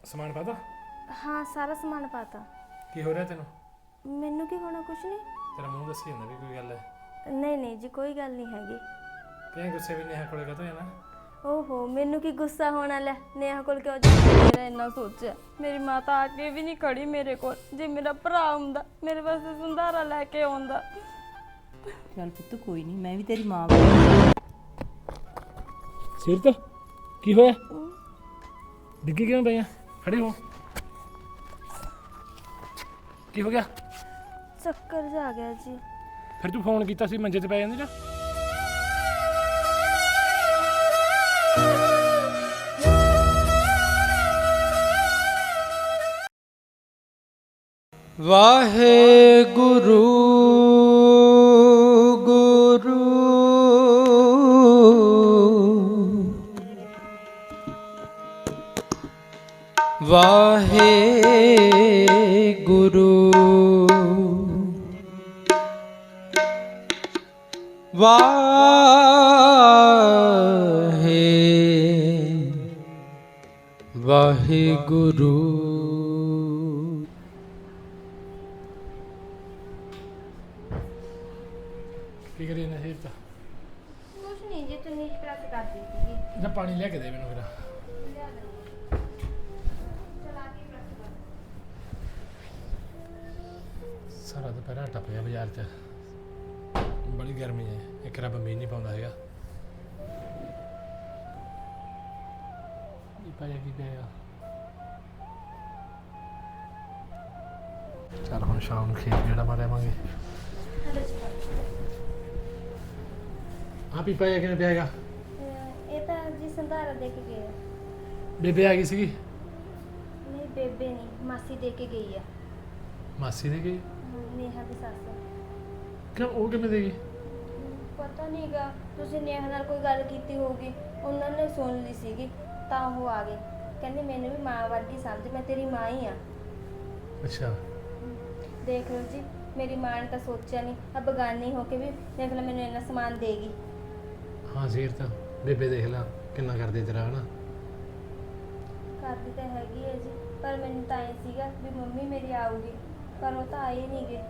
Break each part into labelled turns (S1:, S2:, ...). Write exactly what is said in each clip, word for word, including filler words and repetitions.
S1: ਸਮਾਨ ਪਾਤਾ?
S2: ਹਾਂ ਸਾਰਾ ਸਮਾਨ ਪਾਤਾ।
S1: ਕੀ ਹੋ ਰਿਹਾ ਤੈਨੂੰ?
S2: ਮੈਨੂੰ ਕੀ ਹੋਣਾ, ਕੁਛ ਨਹੀਂ।
S1: ਤੇਰਾ ਮੂੰਹ ਦੱਸੀ ਜਾਂਦਾ ਵੀ ਕੋਈ ਗੱਲ ਹੈ।
S2: ਨਹੀਂ ਨਹੀਂ ਜੀ, ਕੋਈ ਗੱਲ ਨਹੀਂ ਹੈਗੀ।
S1: ਕਿਉਂ ਗੁੱਸੇ ਵੀ ਨੇਹਾ ਕੋਲੇ ਕਦੋਂ ਜਾਣਾ?
S2: ਓਹੋ, ਮੈਨੂੰ ਕੀ ਗੁੱਸਾ ਹੋਣਾ, ਲੈ ਨੇਹਾ ਕੋਲ ਕਿਉਂ ਜਾਣਾ? ਮੇਰਾ ਇੰਨਾ ਸੋਚਿਆ, ਮੇਰੀ ਮਾਤਾ ਆ ਕੇ ਵੀ ਨਹੀਂ ਖੜੀ ਮੇਰੇ ਕੋਲ। ਜੇ ਮੇਰਾ ਭਰਾ ਹੁੰਦਾ ਮੇਰੇ ਵਾਸਤੇ ਸੰਧਾਰਾ ਲੈ ਕੇ ਆਉਂਦਾ।
S3: ਚੱਲ ਪੁੱਤ ਕੋਈ ਨਹੀਂ, ਮੈਂ ਵੀ ਤੇਰੀ ਮਾਂ।
S1: ਸਿਰਤ ਕੀ ਹੋਇਆ? ਡਿੱਗੀ ਕਿਉਂ ਪਈ ਆ? ਖੜੀ ਹੋ। ਕੀ ਹੋ ਗਿਆ?
S2: ਚੱਕਰ ਜਾ ਗਿਆ ਜੀ।
S1: ਫਿਰ ਤੂੰ ਫੋਨ ਕੀਤਾ ਸੀ, ਮੰਜੇ ਤੇ ਪੈ ਜਾਂਦੀ ਨਾ।
S4: ਵਾਹਿਗੁਰੂ ਗੁਰੂ ਵਾਹਿਗੁਰੂ ਵਾਹੇ ਵਾਹਿਗੁਰੂ।
S1: ਕੀ ਕਰੀ ਨਾ ਸਿਰਤ?
S2: ਕੁਛ ਨਹੀਂ ਜੀ, ਤੂੰ ਨੀਸ਼ ਕਰਾ ਕੇ ਕਰਦੀ ਸੀਗੀ।
S1: ਜਾਂ ਪਾਣੀ ਲੈ ਕੇ ਦੇ ਮੈਨੂੰ ਫਿਰ। ਸਾਰਾ ਦੁਪਹਿਰਾ ਟੱਪ ਗਿਆ ਬਾਜ਼ਾਰ 'ਚ, ਬੜੀ ਗਰਮੀ ਹੈ। ਇੱਕ ਰੱਬ ਮੀਂਹ ਨਹੀਂ ਪਾਉਂਦਾ ਹੈਗਾ। ਕੀ ਪਾਇਆ ਕੀ ਪਿਆ? ਚੱਲ ਹੁਣ ਸ਼ਾਮ ਨੂੰ ਖੇਤ ਜਿਹੜਾ ਮਾਰਿਆਵਾਂਗੇ। ਆ ਪੀਪਾ ਇਹ ਕਿਵੇਂ ਪਿਆਗਾ?
S2: ਇਹ ਤਾਂ ਜੀ ਸੰਧਾਰਾ ਦੇ ਕੇ ਗਏ ਆ।
S1: ਬੇਬੇ ਆ ਗਈ ਸੀਗੀ?
S2: ਨਹੀਂ ਬੇਬੇ ਨਹੀਂ, ਮਾਸੀ ਦੇ ਕੇ ਗਈ ਆ।
S1: ਮਾਸੀ ਦੇ ਗਈ?
S2: ਨੇਹਾ ਦੀ ਸੱਸ।
S1: ਕਿਉਂ, ਉਹ ਕਿਵੇਂ ਦੇ ਗਈ?
S2: ਪਤਾ ਨਹੀਂਗਾ, ਤੁਸੀਂ ਨੇਹਾ ਨਾਲ ਕੋਈ ਗੱਲ ਕੀਤੀ ਹੋਊਗੀ, ਉਹਨਾਂ ਨੇ ਸੁਣ ਲਈ ਸੀਗੀ ਤਾਂ ਉਹ ਆ ਗਏ। ਕਹਿੰਦੇ ਮੈਨੂੰ ਵੀ ਮਾਂ ਵਰਗੀ ਸਮਝ, ਮੈਂ ਤੇਰੀ ਮਾਂ ਹੀ ਆ।
S1: ਅੱਛਾ।
S2: ਦੇਖ ਲਓ ਜੀ, ਮੇਰੀ ਮਾਂ ਨੇ ਤਾਂ ਸੋਚਿਆ ਨਹੀਂ, ਆ ਬਗਾਨੀ ਹੋ ਕੇ ਵੀ ਦੇਖ ਲੈ ਮੈਨੂੰ ਇੰਨਾ ਸਮਾਨ ਦੇਗੀ।
S1: ਹਾਂ ਸੀਰ ਤਾਂ ਬੇਬੇ ਦੇਖ ਲਾ ਕਿੰਨਾ ਕਰਦੇ ਤੇਰਾ ਹਨਾ।
S2: ਕਰਦੀ ਤਾਂ ਹੈਗੀ ਹੈ ਜੀ, ਪਰ ਮੈਨੂੰ ਤਾਂ ਇਹ ਸੀਗਾ ਵੀ ਮੰਮੀ ਮੇਰੀ ਆਊਗੀ, ਪਰ ਉਹ ਤਾਂ ਆਏ ਨਹੀਂ ਗੇ।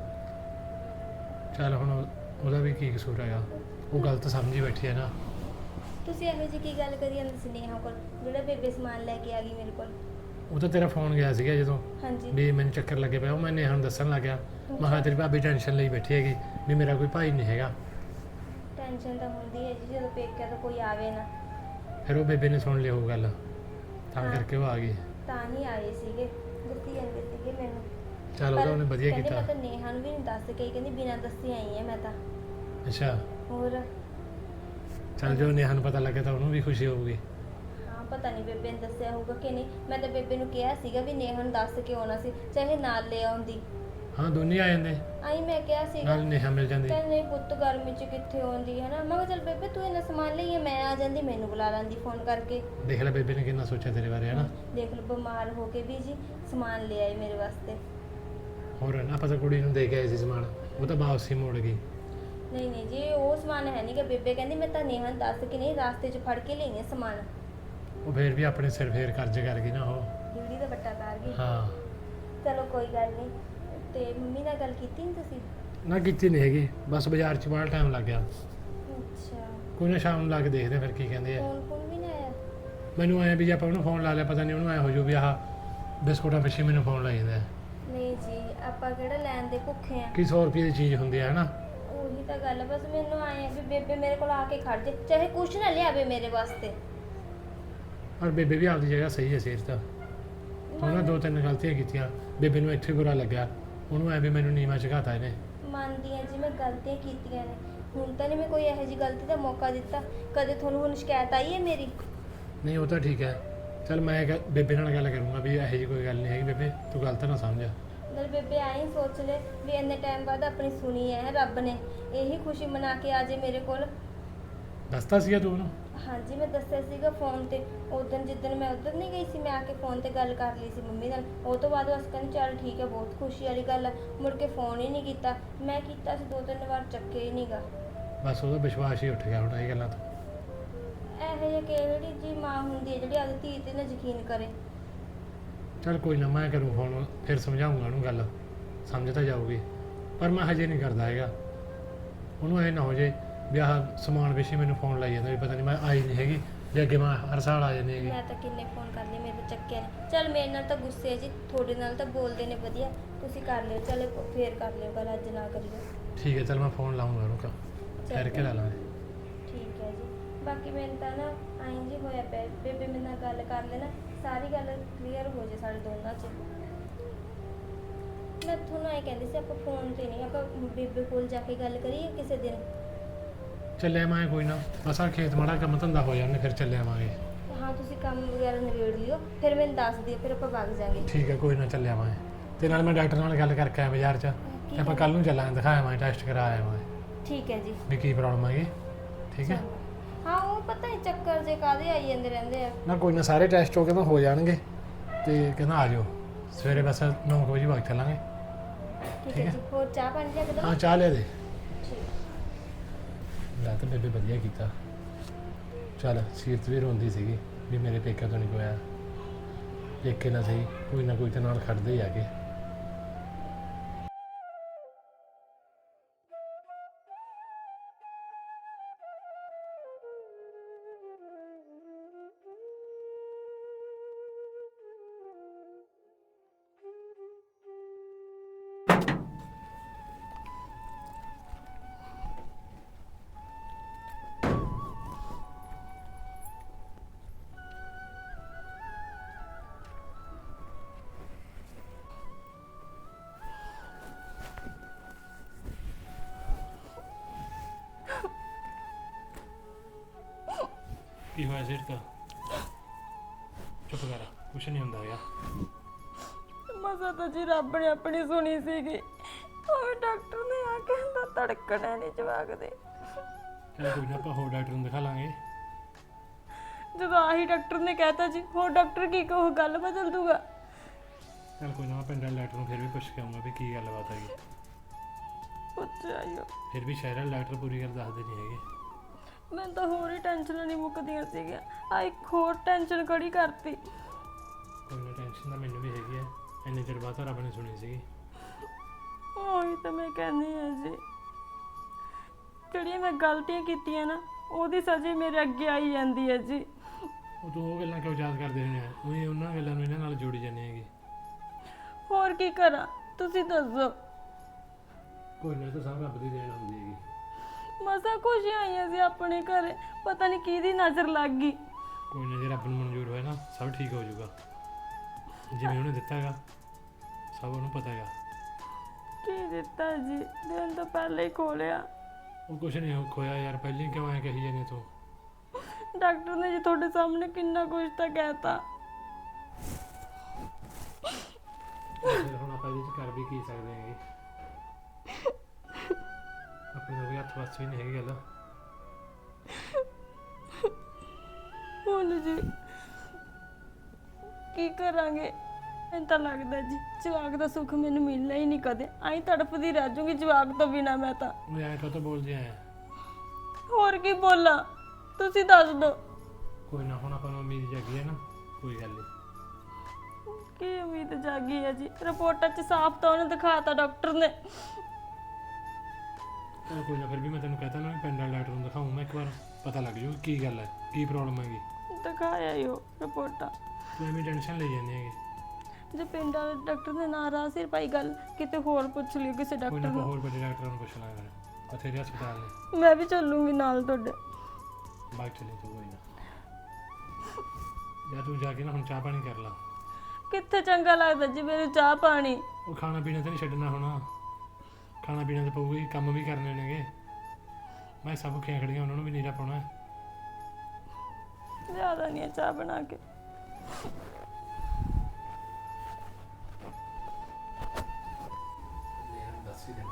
S1: ਚੱਲ ਹੁਣ ਉਹਦਾ ਵੀ ਕੀ ਕਸੂਰ ਹੈਗਾ, ਉਹ ਗਲਤ ਸਮਝੀ ਬੈਠੀ ਹੈ ਨਾ।
S2: ਤੁਸੀਂ ਇਹੋ ਜਿਹੀ ਕੀ ਗੱਲ ਕਰੀ ਜਾਂਦੇ ਸੀ ਨੇਹਾ ਕੋਲ, ਜਿਹੜਾ ਬੇਬੇ ਸਮਾਨ ਲੈ ਕੇ ਆ ਗਈ ਮੇਰੇ ਕੋਲ?
S1: ਉਹ ਤਾਂ ਤੇਰਾ ਫੋਨ ਗਿਆ ਸੀਗਾ ਜਦੋਂ
S2: ਹਾਂਜੀ।
S1: ਵੀ ਮੈਨੂੰ ਚੱਕਰ ਲੱਗੇ ਪਿਆ, ਉਹ ਮੈਂ ਨੇਹਾ ਨੂੰ ਦੱਸਣ ਲੱਗ ਗਿਆ। ਮੈਂ ਕਿਹਾ ਤੇਰੀ ਭਾਬੀ ਟੈਨਸ਼ਨ ਲਈ ਬੈਠੀ ਹੈਗੀ ਵੀ ਮੇਰਾ ਕੋਈ ਭਾਈ ਨਹੀਂ ਹੈਗਾ।
S2: ਟੈਨਸ਼ਨ ਤਾਂ ਹੁੰਦੀ ਹੈ ਜੀ ਜਦੋਂ ਪੇਕਿਆਂ ਤੋਂ ਕੋਈ ਆਵੇ ਨਾ।
S1: ਫਿਰ ਉਹ ਬੇਬੇ ਨੇ ਸੁਣ ਲਈ ਉਹ ਗੱਲ, ਤਾਂ
S2: ਹਾਂ।
S1: ਕਰਕੇ ਉਹ ਆ ਗਈ।
S2: ਤਾਂ ਹੀ ਆਏ ਸੀਗੇ, ਦੱਸੀ ਜਾਂਦੇ ਸੀਗੇ ਮੈਨੂੰ।
S1: ਚੱਲ ਉਹਦਾ ਉਹਨੇ ਵਧੀਆ
S2: ਕਹਿੰਦੀ
S1: ਕੀਤਾ।
S2: ਮੈਂ ਤਾਂ ਨੇਹਾ ਨੂੰ ਵੀ ਨਹੀਂ ਦੱਸ ਕੇ, ਕਹਿੰਦੀ ਬਿਨਾਂ ਦੱਸੇ ਆਈ ਹਾਂ ਮੈਂ ਤਾਂ।
S1: ਅੱਛਾ।
S2: ਹੋਰ
S1: ਚੱਲ ਜੋ ਨੇਹਾ ਨੂੰ ਪਤਾ ਲੱਗਿਆ ਤਾਂ ਉਹਨੂੰ ਵੀ ਖੁਸ਼ੀ ਹੋਊਗੀ।
S2: ਹਾਂ, ਪਤਾ ਨਹੀਂ ਬੇਬੇ ਨੇ ਦੱਸਿਆ ਹੋਊਗਾ ਕਿ ਨਹੀਂ। ਮੈਂ ਤਾਂ ਬੇਬੇ ਨੂੰ ਕਿਹਾ ਸੀਗਾ ਵੀ ਨੇਹਾ ਨੂੰ ਦੱਸ ਕੇ ਆਉਣਾ ਸੀ, ਚਾਹੇ ਨਾਲ ਲੈ ਆਉਂਦੀ।
S1: ਹਾਂ ਦੋਨੇ ਆ ਜਾਂਦੇ,
S2: ਆਈ ਮੈਂ ਕਿਹਾ ਸੀਗਾ।
S1: ਨਾਲ ਨੇਹਾ ਮਿਲ ਜਾਂਦੀ।
S2: ਕਹਿੰਦੇ ਨਹੀਂ ਪੁੱਤ ਗਰਮੀ 'ਚ ਕਿੱਥੇ ਆਉਂਦੀ ਹੈ ਨਾ। ਮੈਂ ਕਿਹਾ ਚੱਲ ਬੇਬੇ ਤੂੰ ਇੰਨਾ ਸਮਾਨ ਲਈਏ, ਮੈਂ ਆ ਜਾਂਦੀ, ਮੈਨੂੰ ਬੁਲਾ ਲੈਂਦੀ ਫੋਨ ਕਰਕੇ।
S1: ਦੇਖ ਲੈ ਬੇਬੇ ਨੇ ਕਿੰਨਾ ਸੋਚਿਆ ਤੇਰੇ ਬਾਰੇ ਹਨਾ।
S2: ਦੇਖ ਲਓ, ਬਿਮਾਰ ਹੋ ਕੇ ਵੀ ਜੀ ਸਮਾਨ ਲੈ ਆਈ ਮੇਰੇ ਵਾਸਤੇ।
S1: ਹੋਰ ਨਾ ਪਤਾ ਕੁੜੀ ਨੂੰ ਦੇ ਕੇ ਆਏ ਸੀ ਸਮਾਨ, ਉਹ ਤਾਂ ਵਾਪਸ ਹੀ ਮੋੜ ਗਈ।
S2: ਨਹੀਂ ਨਹੀਂ ਜੀ, ਉਹ ਸਮਾਨ ਹੈ ਨਹੀਂ ਕਿ ਬੇਬੇ ਕਹਿੰਦੀ ਮੈਂ ਤਾਂ ਨੇਹਾ ਨੂੰ ਦੱਸ ਕੇ ਨਹੀਂ, ਰਾਸਤੇ 'ਚ ਫੜ ਕੇ ਲਈ ਸਮਾਨ।
S1: ਉਹ ਫੇਰ ਵੀ ਆਪਣੇ ਸਿਰ ਫੇਰ ਕਰਜ਼ ਕਰ ਗਈ ਨਾ ਉਹ।
S2: ਡਿਊਟੀ ਦਾ ਵੱਟਾ ਤਾਰ ਗਈ।
S1: ਹਾਂ।
S2: ਚਲੋ ਕੋਈ ਗੱਲ ਨਹੀਂ। ਤੇ ਮੰਮੀ ਨਾਲ ਗੱਲ ਕੀਤੀ ਨਹੀਂ ਤੁਸੀਂ?
S1: ਨਾ ਕੀਤੀ ਨਹੀਂ ਹੈਗੀ, ਬਸ ਬਾਜ਼ਾਰ 'ਚ ਬਾਹਰ ਟਾਈਮ ਲੱਗ ਗਿਆ।
S2: ਅੱਛਾ।
S1: ਕੋਈ ਨਾ ਸ਼ਾਮ ਨੂੰ ਲਾ ਕੇ ਦੇਖਦੇ ਫਿਰ ਕੀ ਕਹਿੰਦੇ ਆ।
S2: ਫੋਨ ਫੋਨ ਵੀ ਨਾ ਆਇਆ?
S1: ਮੈਨੂੰ ਆਇਆ ਵੀ ਜੇ ਆਪਾਂ ਉਹਨੂੰ ਫੋਨ ਲਾ ਲਿਆ, ਪਤਾ ਨਹੀਂ ਉਹਨੂੰ ਐ ਹੋ ਜਾਊ ਵੀ ਆਹ ਬਿਸਕੁਟਾਂ ਪਿੱਛੇ ਮੈਨੂੰ ਫੋਨ ਲਾਈ ਜਾਂਦਾ।
S2: ਨਹੀਂ ਜੀ, ਆਪਾਂ ਕਿਹੜਾ ਲੈਣ ਦੇ ਭੁੱਖੇ ਆ।
S1: ਕੀ ਸੌ ਰੁਪਏ ਦੀ ਚੀਜ਼ ਹੁੰਦੀ ਹੈ ਹਨਾ।
S2: ਉਹੀ ਤਾਂ ਗੱਲ ਆ, ਬਸ ਮੈਨੂੰ ਆਏ ਆ ਵੀ ਬੇਬੇ ਮੇਰੇ ਕੋਲ ਆ ਕੇ ਖੜ ਜੇ, ਚਾਹੇ ਕੁਛ ਨਾ ਲਿਆਵੇ ਮੇਰੇ ਵਾਸਤੇ।
S1: ਪਰ ਬੇਬੇ ਵੀ ਆਪਦੀ ਜਗ੍ਹਾ ਸਹੀ ਹੈ ਸਿਰ ਤਾਂ। ਉਹਨਾਂ ਦੋ ਤਿੰਨ ਗਲਤੀਆਂ ਕੀਤੀਆਂ, ਬੇਬੇ ਨੂੰ ਇੱਥੇ ਬੁਰਾ ਲੱਗਿਆ, ਉਹਨੂੰ ਐ ਵੀ ਮੈਨੂੰ ਨੀਵਾਂ ਝੁਕਾਤਾ ਇਹਨੇ।
S2: ਮੰਨਦੀ ਆ ਜੀ, ਮੈਂ ਗਲਤੀਆਂ ਕੀਤੀਆਂ ਨੇ, ਹੁਣ ਤਾਂ ਨਹੀਂ ਮੈਂ ਕੋਈ ਇਹੋ ਜਿਹੀ ਗਲਤੀ ਦਾ ਮੌਕਾ ਦਿੱਤਾ। ਕਦੇ ਤੁਹਾਨੂੰ ਹੁਣ ਸ਼ਿਕਾਇਤ ਆਈ ਹੈ ਮੇਰੀ?
S1: ਨਹੀਂ ਉਹ ਤਾਂ ਠੀਕ ਹੈ। ਚੱਲ ਮੈਂ ਗ- ਬੇਬੇ ਨਾਲ ਗੱਲ ਕਰੂੰਗਾ ਵੀ ਇਹੋ ਜਿਹੀ ਕੋਈ ਗੱਲ ਨਹੀਂ ਹੈਗੀ ਬੇਬੇ, ਤੂੰ ਗਲਤ ਨਾ ਸਮਝ।
S2: ਨਾਲ ਬੇਬੇ ਆਈ ਸੋਚ ਲੈ ਵੀ ਇੰਨੇ ਟਾਈਮ ਬਾਅਦ ਆਪਣੀ ਸੁਣੀ ਹੈ ਰੱਬ ਨੇ, ਇਹੀ ਖੁਸ਼ੀ ਮਨਾ ਕੇ ਆ ਜੇ ਮੇਰੇ ਕੋਲ।
S1: ਦੱਸਤਾ ਸੀਗਾ ਤੂੰ ਉਹਨੂੰ?
S2: ਹਾਂਜੀ, ਮੈਂ ਦੱਸਿਆ ਸੀਗਾ ਫੋਨ ਤੇ। ਉਦੋਂ ਜਿੱਦਣ ਮੈਂ ਉੱਧਰ ਨਹੀਂ ਗਈ ਸੀ, ਮੈਂ ਆ ਕੇ ਫੋਨ ਤੇ ਗੱਲ ਕਰ ਲਈ ਸੀ ਮੰਮੀ ਨਾਲ। ਉਹ ਤੋਂ ਬਾਅਦ ਬਸ ਕਹਿੰਦੀ ਚੱਲ ਠੀਕ ਹੈ, ਬਹੁਤ ਖੁਸ਼ੀ ਵਾਲੀ ਗੱਲ ਹੈ। ਮੁੜ ਕੇ ਫੋਨ ਹੀ ਨਹੀਂ ਕੀਤਾ। ਮੈਂ ਕੀਤਾ ਸੀ ਦੋ ਤਿੰਨ ਵਾਰ, ਚੱਕੇ ਹੀ ਨਹੀਂਗਾ।
S1: ਬਸ ਉਹਦਾ ਵਿਸ਼ਵਾਸ ਹੀ ਉੱਠ ਗਿਆ ਹੁਣ ਇਹ ਗੱਲਾਂ ਤੋਂ।
S2: ਇਹੋ ਜਿਹੀ ਕਿਹੜੀ ਜੀ ਮਾਂ ਹੁੰਦੀ ਹੈ ਜਿਹੜੀ ਆਪਣੀ ਧੀ ਤੇ ਨਾ ਯਕੀਨ ਕਰੇ।
S1: ਚੱਲ ਕੋਈ ਨਾ, ਮੈਂ ਕਰੂੰ ਫੋਨ, ਫਿਰ ਸਮਝਾਉਂਗਾ ਉਹਨੂੰ ਗੱਲ, ਸਮਝ ਤਾਂ ਜਾਊਗੀ। ਪਰ ਮੈਂ ਹਜੇ ਨਹੀਂ ਕਰਦਾ ਹੈਗਾ, ਉਹਨੂੰ ਐ ਨਾ ਹੋ ਜੇ ਵੀ ਆਹ ਸਮਾਨ ਪਿੱਛੇ ਮੈਨੂੰ ਫੋਨ ਲਾਈ ਜਾਂਦਾ ਵੀ ਪਤਾ ਨਹੀਂ ਮੈਂ ਆਈ ਨਹੀਂ ਹੈਗੀ, ਜੇ ਅੱਗੇ ਮੈਂ ਹਰ ਸਾਲ ਆ ਜਾਂਦੀ ਹੈਗੀ।
S2: ਮੈਂ ਤਾਂ ਕਿੰਨੇ ਫੋਨ ਕਰ ਲਏ, ਮੇਰੇ ਤਾਂ ਚੱਕਿਆ ਨਹੀਂ। ਚੱਲ ਮੇਰੇ ਨਾਲ ਤਾਂ ਗੁੱਸੇ ਹੈ ਜੀ, ਤੁਹਾਡੇ ਨਾਲ ਤਾਂ ਬੋਲਦੇ ਨੇ ਵਧੀਆ, ਤੁਸੀਂ ਕਰ ਲਿਓ, ਚੱਲ ਫੇਰ ਕਰ ਲਿਓ ਗੱਲ, ਅੱਜ ਨਾ ਕਰਿਓ।
S1: ਠੀਕ ਹੈ, ਚੱਲ ਮੈਂ ਫੋਨ ਲਾਉਂਗਾ ਉਹਨੂੰ ਕਾ ਫਿਰ ਕੇ ਲਾ ਲਾਂਗੇ।
S2: ਠੀਕ ਹੈ ਜੀ। ਬਾਕੀ ਮੈਨੂੰ ਤਾਂ ਨਾ ਆਈਂ ਜੀ ਹੋਇਆ ਪਿਆ, ਬੇਬੇ ਮੇਰੇ ਨਾਲ ਗੱਲ ਕਰ ਲੈ ਨਾ, ਸਾਰੀ ਗੱਲ ਕਲੀਅਰ ਹੋ ਜੇ ਸਾਡੇ ਦੋਨਾਂ 'ਚ। ਮੈਂ ਤੁਹਾਨੂੰ ਐਂ ਕਹਿੰਦੀ ਸੀ, ਆਪਾਂ ਫੋਨ ਤੇ ਨਹੀਂ, ਆਪਾਂ ਬੇਬੇ ਕੋਲ ਜਾ ਕੇ ਗੱਲ ਕਰੀਏ ਕਿਸੇ ਦਿਨ।
S1: ਚੱਲੇ ਆਵਾਂਗੇ ਕੋਈ ਨਾ, ਬਸ ਆਹ ਖੇਤ ਮਾੜਾ ਕੰਮ ਧੰਦਾ ਹੋ ਜਾਣੇ, ਫਿਰ ਚੱਲੇ ਆਵਾਂਗੇ।
S2: ਹਾਂ ਤੁਸੀਂ ਕੰਮ ਵਗੈਰਾ ਨਿਬੇੜ ਲਿਓ, ਫਿਰ ਮੈਨੂੰ ਦੱਸ ਦਿਓ, ਫਿਰ ਆਪਾਂ ਵਗ ਜਾਾਂਗੇ।
S1: ਠੀਕ ਹੈ, ਕੋਈ ਨਾ ਚੱਲੇ ਆਵਾਂਗੇ। ਤੇ ਨਾਲ ਮੈਂ ਡਾਕਟਰ ਨਾਲ ਗੱਲ ਕਰਕੇ ਆਇਆ ਬਾਜ਼ਾਰ 'ਚ, ਤੇ ਆਪਾਂ ਕੱਲ ਨੂੰ ਚੱਲਾਂਗੇ, ਦਿਖਾਇਆ ਆਵਾਂਗੇ, ਟੈਸਟ ਕਰਾ ਆਵਾਂਗੇ
S2: ਠੀਕ ਹੈ ਜੀ।
S1: ਵੀ ਕੀ ਪ੍ਰੋਬਲਮ ਹੈਗੀ। ਠੀਕ ਹੈ,
S2: ਹਾਂ ਉਹ ਪਤਾ ਨਹੀਂ ਚੱਕਰ ਜੇ ਕਾਹਦੇ ਆਈ ਜਾਂਦੇ ਰਹਿੰਦੇ ਆ।
S1: ਨਾ ਕੋਈ ਨਾ, ਸਾਰੇ ਟੈਸਟ ਹੋ ਕੇ ਤਾਂ ਹੋ ਜਾਣਗੇ, ਤੇ ਕਹਿੰਦਾ ਆ ਜਾਓ ਸਵੇਰੇ, ਬਸ ਨੌ ਵਜੇ ਵਗ ਚੱਲਾਂਗੇ।
S2: ਠੀਕ ਹੈ ਜੀ। ਹੋਰ ਚਾਹ ਪਾਣੀ ਲਿਆ ਕੇ ਦਿਓ।
S1: ਹਾਂ ਚਾਹ ਲਿਆ ਦੇ।
S2: ਠੀਕ।
S1: ਲੈ ਤਾਂ ਬੇਬੇ ਵਧੀਆ ਕੀਤਾ, ਚੱਲ ਸੀਰਤ ਵੀ ਰੋਂਦੀ ਸੀਗੀ ਵੀ ਮੇਰੇ ਪੇਕਿਆਂ ਤੋਂ ਨਹੀਂ ਕੋਈ ਆਇਆ, ਪੇਕੇ ਨਾ ਸਹੀ ਕੋਈ ਨਾ ਕੋਈ ਤਾਂ ਨਾਲ ਖੜਦੇ ਹੀ ਆ ਕੇ। ਕੀ ਹੋਇਆ ਸੀਰਤ? ਚੁੱਪ ਕਰ, ਕੁਛ ਨਹੀਂ ਹੁੰਦਾ ਹੈਗਾ।
S5: ਮਸਾ ਤਾਂ ਜੀ ਰੱਬ ਨੇ ਆਪਣੀ ਸੁਣੀ ਸੀਗੀ, ਉਹ ਡਾਕਟਰ ਨੇ ਆ ਕੇ ਕਹਿੰਦਾ ਧੜਕਣਾ ਨਹੀਂ ਜਵਾਕ ਦੇ।
S1: ਚੱਲ ਕੋਈ ਨਾ, ਆਪਾਂ ਹੋਰ ਡਾਕਟਰ ਨੂੰ ਦਿਖਾ ਲਾਂਗੇ।
S5: ਜਦੋਂ ਆਹੀ ਡਾਕਟਰ ਨੇ ਕਹਿਤਾ ਜੀ, ਹੋਰ ਡਾਕਟਰ ਕੀ ਕਹੂ, ਗੱਲ ਬਦਲ ਦੂਗਾ।
S1: ਚੱਲ ਕੋਈ ਨਾ, ਮੈਂ ਪਿੰਡ ਵਾਲੇ ਡਾਕਟਰ ਨੂੰ ਫਿਰ ਵੀ ਪੁੱਛ ਕੇ ਆਊਂਗਾ ਵੀ ਕੀ ਗੱਲਬਾਤ ਹੈਗੀ।
S5: ਪੁੱਛ ਆਇਓ।
S1: ਫਿਰ ਵੀ ਸ਼ਹਿਰ ਵਾਲੇ ਡਾਕਟਰ ਪੂਰੀ ਗੱਲ ਦੱਸਦੇ ਨਹੀਂ ਹੈਗੇ।
S5: ਮੈਨੂੰ ਤਾਂ ਹੋਰ ਹੀ ਟੈਨਸ਼ਨਾਂ ਨਹੀਂ ਮੁੱਕਦੀਆਂ ਸੀਗੀਆਂ, ਆ ਇੱਕ ਹੋਰ ਟੈਨਸ਼ਨ ਖੜੀ ਕਰਤੀ।
S1: ਕੋਈ ਨਾ, ਟੈਨਸ਼ਨ ਤਾਂ ਮੈਨੂੰ ਵੀ ਹੈਗੀ ਹੈ, ਇੰਨੇ ਚਿਰ ਬਾਅਦ ਤਾਂ ਰੱਬ ਨੇ ਸੁਣੀ ਸੀਗੀ।
S5: ਉਹੀ ਤਾਂ ਮੈਂ ਕਹਿੰਦੀ ਹਾਂ ਜੀ, ਜਿਹੜੀਆਂ ਮੈਂ ਗਲਤੀਆਂ ਕੀਤੀਆਂ ਨਾ, ਉਹਦੀ ਸਜ਼ਾ ਮੇਰੇ ਅੱਗੇ ਆਈ ਜਾਂਦੀ ਹੈ ਜੀ।
S1: ਉਹ ਤੂੰ ਉਹ ਗੱਲਾਂ ਕਿਉਂ ਯਾਦ ਕਰਦੇ ਹੁੰਦੇ ਆ, ਉਹੀ ਉਹਨਾਂ ਗੱਲਾਂ ਨੂੰ ਇਹਨਾਂ ਨਾਲ ਜੋੜੀ ਜਾਂਦੇ ਹੈਗੇ।
S5: ਹੋਰ ਕੀ ਕਰਾਂ, ਤੁਸੀਂ ਦੱਸੋ।
S1: ਕੋਈ ਨਾ, ਤਾਂ ਸਭ ਰੱਬ ਦੀ ਦੇਣ ਹੁੰਦੀ ਹੈਗੀ।
S5: ਮਸਾ ਖੁਸ਼ੀਆਂ ਆਈਆਂ ਸੀ ਆਪਣੇ ਘਰੇ, ਪਤਾ ਨਹੀਂ ਕਿਹਦੀ ਨਜ਼ਰ ਲੱਗ ਗਈ।
S1: ਕੋਈ ਨਾ, ਜੇ ਰੱਬ ਨੂੰ ਮਨਜ਼ੂਰ ਹੋਇਆ ਨਾ, ਸਭ ਠੀਕ ਹੋ ਜਾਊਗਾ। ਜਿਵੇਂ ਉਹਨੇ ਦਿੱਤਾ ਹੈਗਾ, ਸਭ ਉਹਨੂੰ ਪਤਾ ਹੈਗਾ।
S5: ਕੀ ਦਿੱਤਾ ਜੀ, ਦਿਨ ਤੋਂ ਪਹਿਲਾਂ ਹੀ ਖੋਲਿਆ।
S1: ਉਹ ਕੁਛ ਨਹੀਂ ਖੋਇਆ ਯਾਰ, ਪਹਿਲਾਂ ਕਿਉਂ ਐਂ ਕਹੀ ਜਾਂਦੇ ਤੂੰ?
S5: ਡਾਕਟਰ ਨੇ ਜੀ ਤੁਹਾਡੇ ਸਾਹਮਣੇ ਕਿੰਨਾ ਕੁਝ ਤਾਂ ਕਹਿਤਾ।
S1: ਫਿਰ ਹੁਣ ਆਪਾਂ ਇਹਦੇ 'ਚ ਕਰ ਵੀ ਕੀ ਸਕਦੇ ਹੈਗੇ, ਆਪਣੇ ਦਾ ਵੀ ਹੱਥ ਵੱਸ ਵੀ ਨਹੀਂ ਹੈਗੀ ਗੱਲ।
S5: ਹੁਣ ਜੀ ਕੀ ਕਰਾਂਗੇ, ਮੈਨੂੰ ਤਾਂ ਲੱਗਦਾ ਜੀ ਜਵਾਕ ਦਾ ਸੁੱਖ ਮੈਨੂੰ ਮਿਲਣਾ ਹੀ ਨਹੀਂ ਕਦੇ, ਆਈ ਤੜਫਦੀ ਰਹਿ ਜਾਊਂਗੀ ਜਵਾਕ ਤੋਂ ਬਿਨਾ ਮੈਂ ਤਾਂ।
S1: ਉਹ ਐਂ ਕਾਹਤੋਂ ਬੋਲਦੇ ਐ?
S5: ਹੋਰ ਕੀ ਬੋਲਾਂ, ਤੁਸੀਂ ਦੱਸ ਦਿਓ।
S1: ਕੋਈ ਨਾ, ਹੁਣ ਆਪਾਂ ਨੂੰ ਉਮੀਦ ਜਾਗੀ ਹੈ ਨਾ, ਕੋਈ ਗੱਲ ਨਹੀਂ।
S5: ਕੀ ਉਮੀਦ ਜਾਗੀ ਹੈ ਜੀ, ਰਿਪੋਰਟਾਂ 'ਚ ਸਾਫ਼ ਤਾਂ ਉਹਨੇ ਦਿਖਾਤਾ ਡਾਕਟਰ ਨੇ।
S1: ਚਲ ਕੋਈ ਨਾ, ਫਿਰ ਵੀ ਮੈਂ ਤੈਨੂੰ ਕਹਤਾ ਨਾ, ਪਿੰਡ ਵਾਲੇ ਡਾਕਟਰ ਨੂੰ ਦਿਖਾऊं ਮੈਂ ਇੱਕ ਵਾਰ, ਪਤਾ ਲੱਗ ਜੂ ਕੀ ਗੱਲ ਹੈ, ਕੀ ਪ੍ਰੋਬਲਮ ਹੈਗੀ।
S5: ਦਿਖਾਇਆ ਹੀ ਉਹ ਰਿਪੋਰਟਾਂ।
S1: ਤੂੰ ਐਵੇਂ ਟੈਨਸ਼ਨ ਲਈ ਜਾਂਦੀ ਹੈਗੀ।
S5: ਜੇ ਪਿੰਡ ਵਾਲੇ ਡਾਕਟਰ ਨੇ ਨਾ ਰਾਹ ਸਿਰ ਪਾਈ ਗੱਲ, ਕਿਤੇ ਹੋਰ ਪੁੱਛ ਲਿਓ ਕਿਸੇ
S1: ਕੋਈ
S5: ਡਾਕਟਰ
S1: ਨਾ, ਆਪਾਂ
S5: ਨੂੰ।
S1: ਹੋਰ ਵੱਡੇ ਡਾਕਟਰਾਂ ਨੂੰ ਪੁੱਛ ਲਾਂਗੇ, ਬਥੇਰੇ ਹਸਪਤਾਲ ਨੇ।
S5: ਮੈਂ ਵੀ ਚੱਲੂੰਗੀ ਨਾਲ ਤੁਹਾਡੇ।
S1: ਬਾਗ ਚਲੇ ਤੂੰ, ਕੋਈ ਨਾ। ਜਾਂ ਤੂੰ ਜਾ ਕੇ ਨਾ ਹੁਣ ਚਾਹ ਪਾਣੀ ਕਰ ਲਾ।
S5: ਕਿੱਥੇ ਚੰਗਾ ਲੱਗਦਾ ਜੀ ਮੈਨੂੰ ਚਾਹ ਪਾਣੀ।
S1: ਉਹ ਖਾਣਾ ਪੀਣਾ ਤਾਂ ਨਹੀਂ ਛੱਡਣਾ ਹੁਣ, ਖਾਣਾ ਪੀਣਾ ਤਾਂ ਪਊਗਾ ਹੀ, ਕੰਮ ਵੀ ਕਰਨੇ ਨੇਗੇ। ਮੈਂ ਸਭ ਭੁੱਖੀਆਂ ਖੜੀਆਂ, ਉਹਨਾਂ ਨੂੰ ਵੀ ਨੀਰਾ ਪਾਉਣਾ।
S5: ਜ਼ਿਆਦਾ ਨਹੀਂ ਹੈ ਚਾਹ ਬਣਾ ਕੇ।
S1: ਦੱਸ ਹੀ ਦੇਣਾ।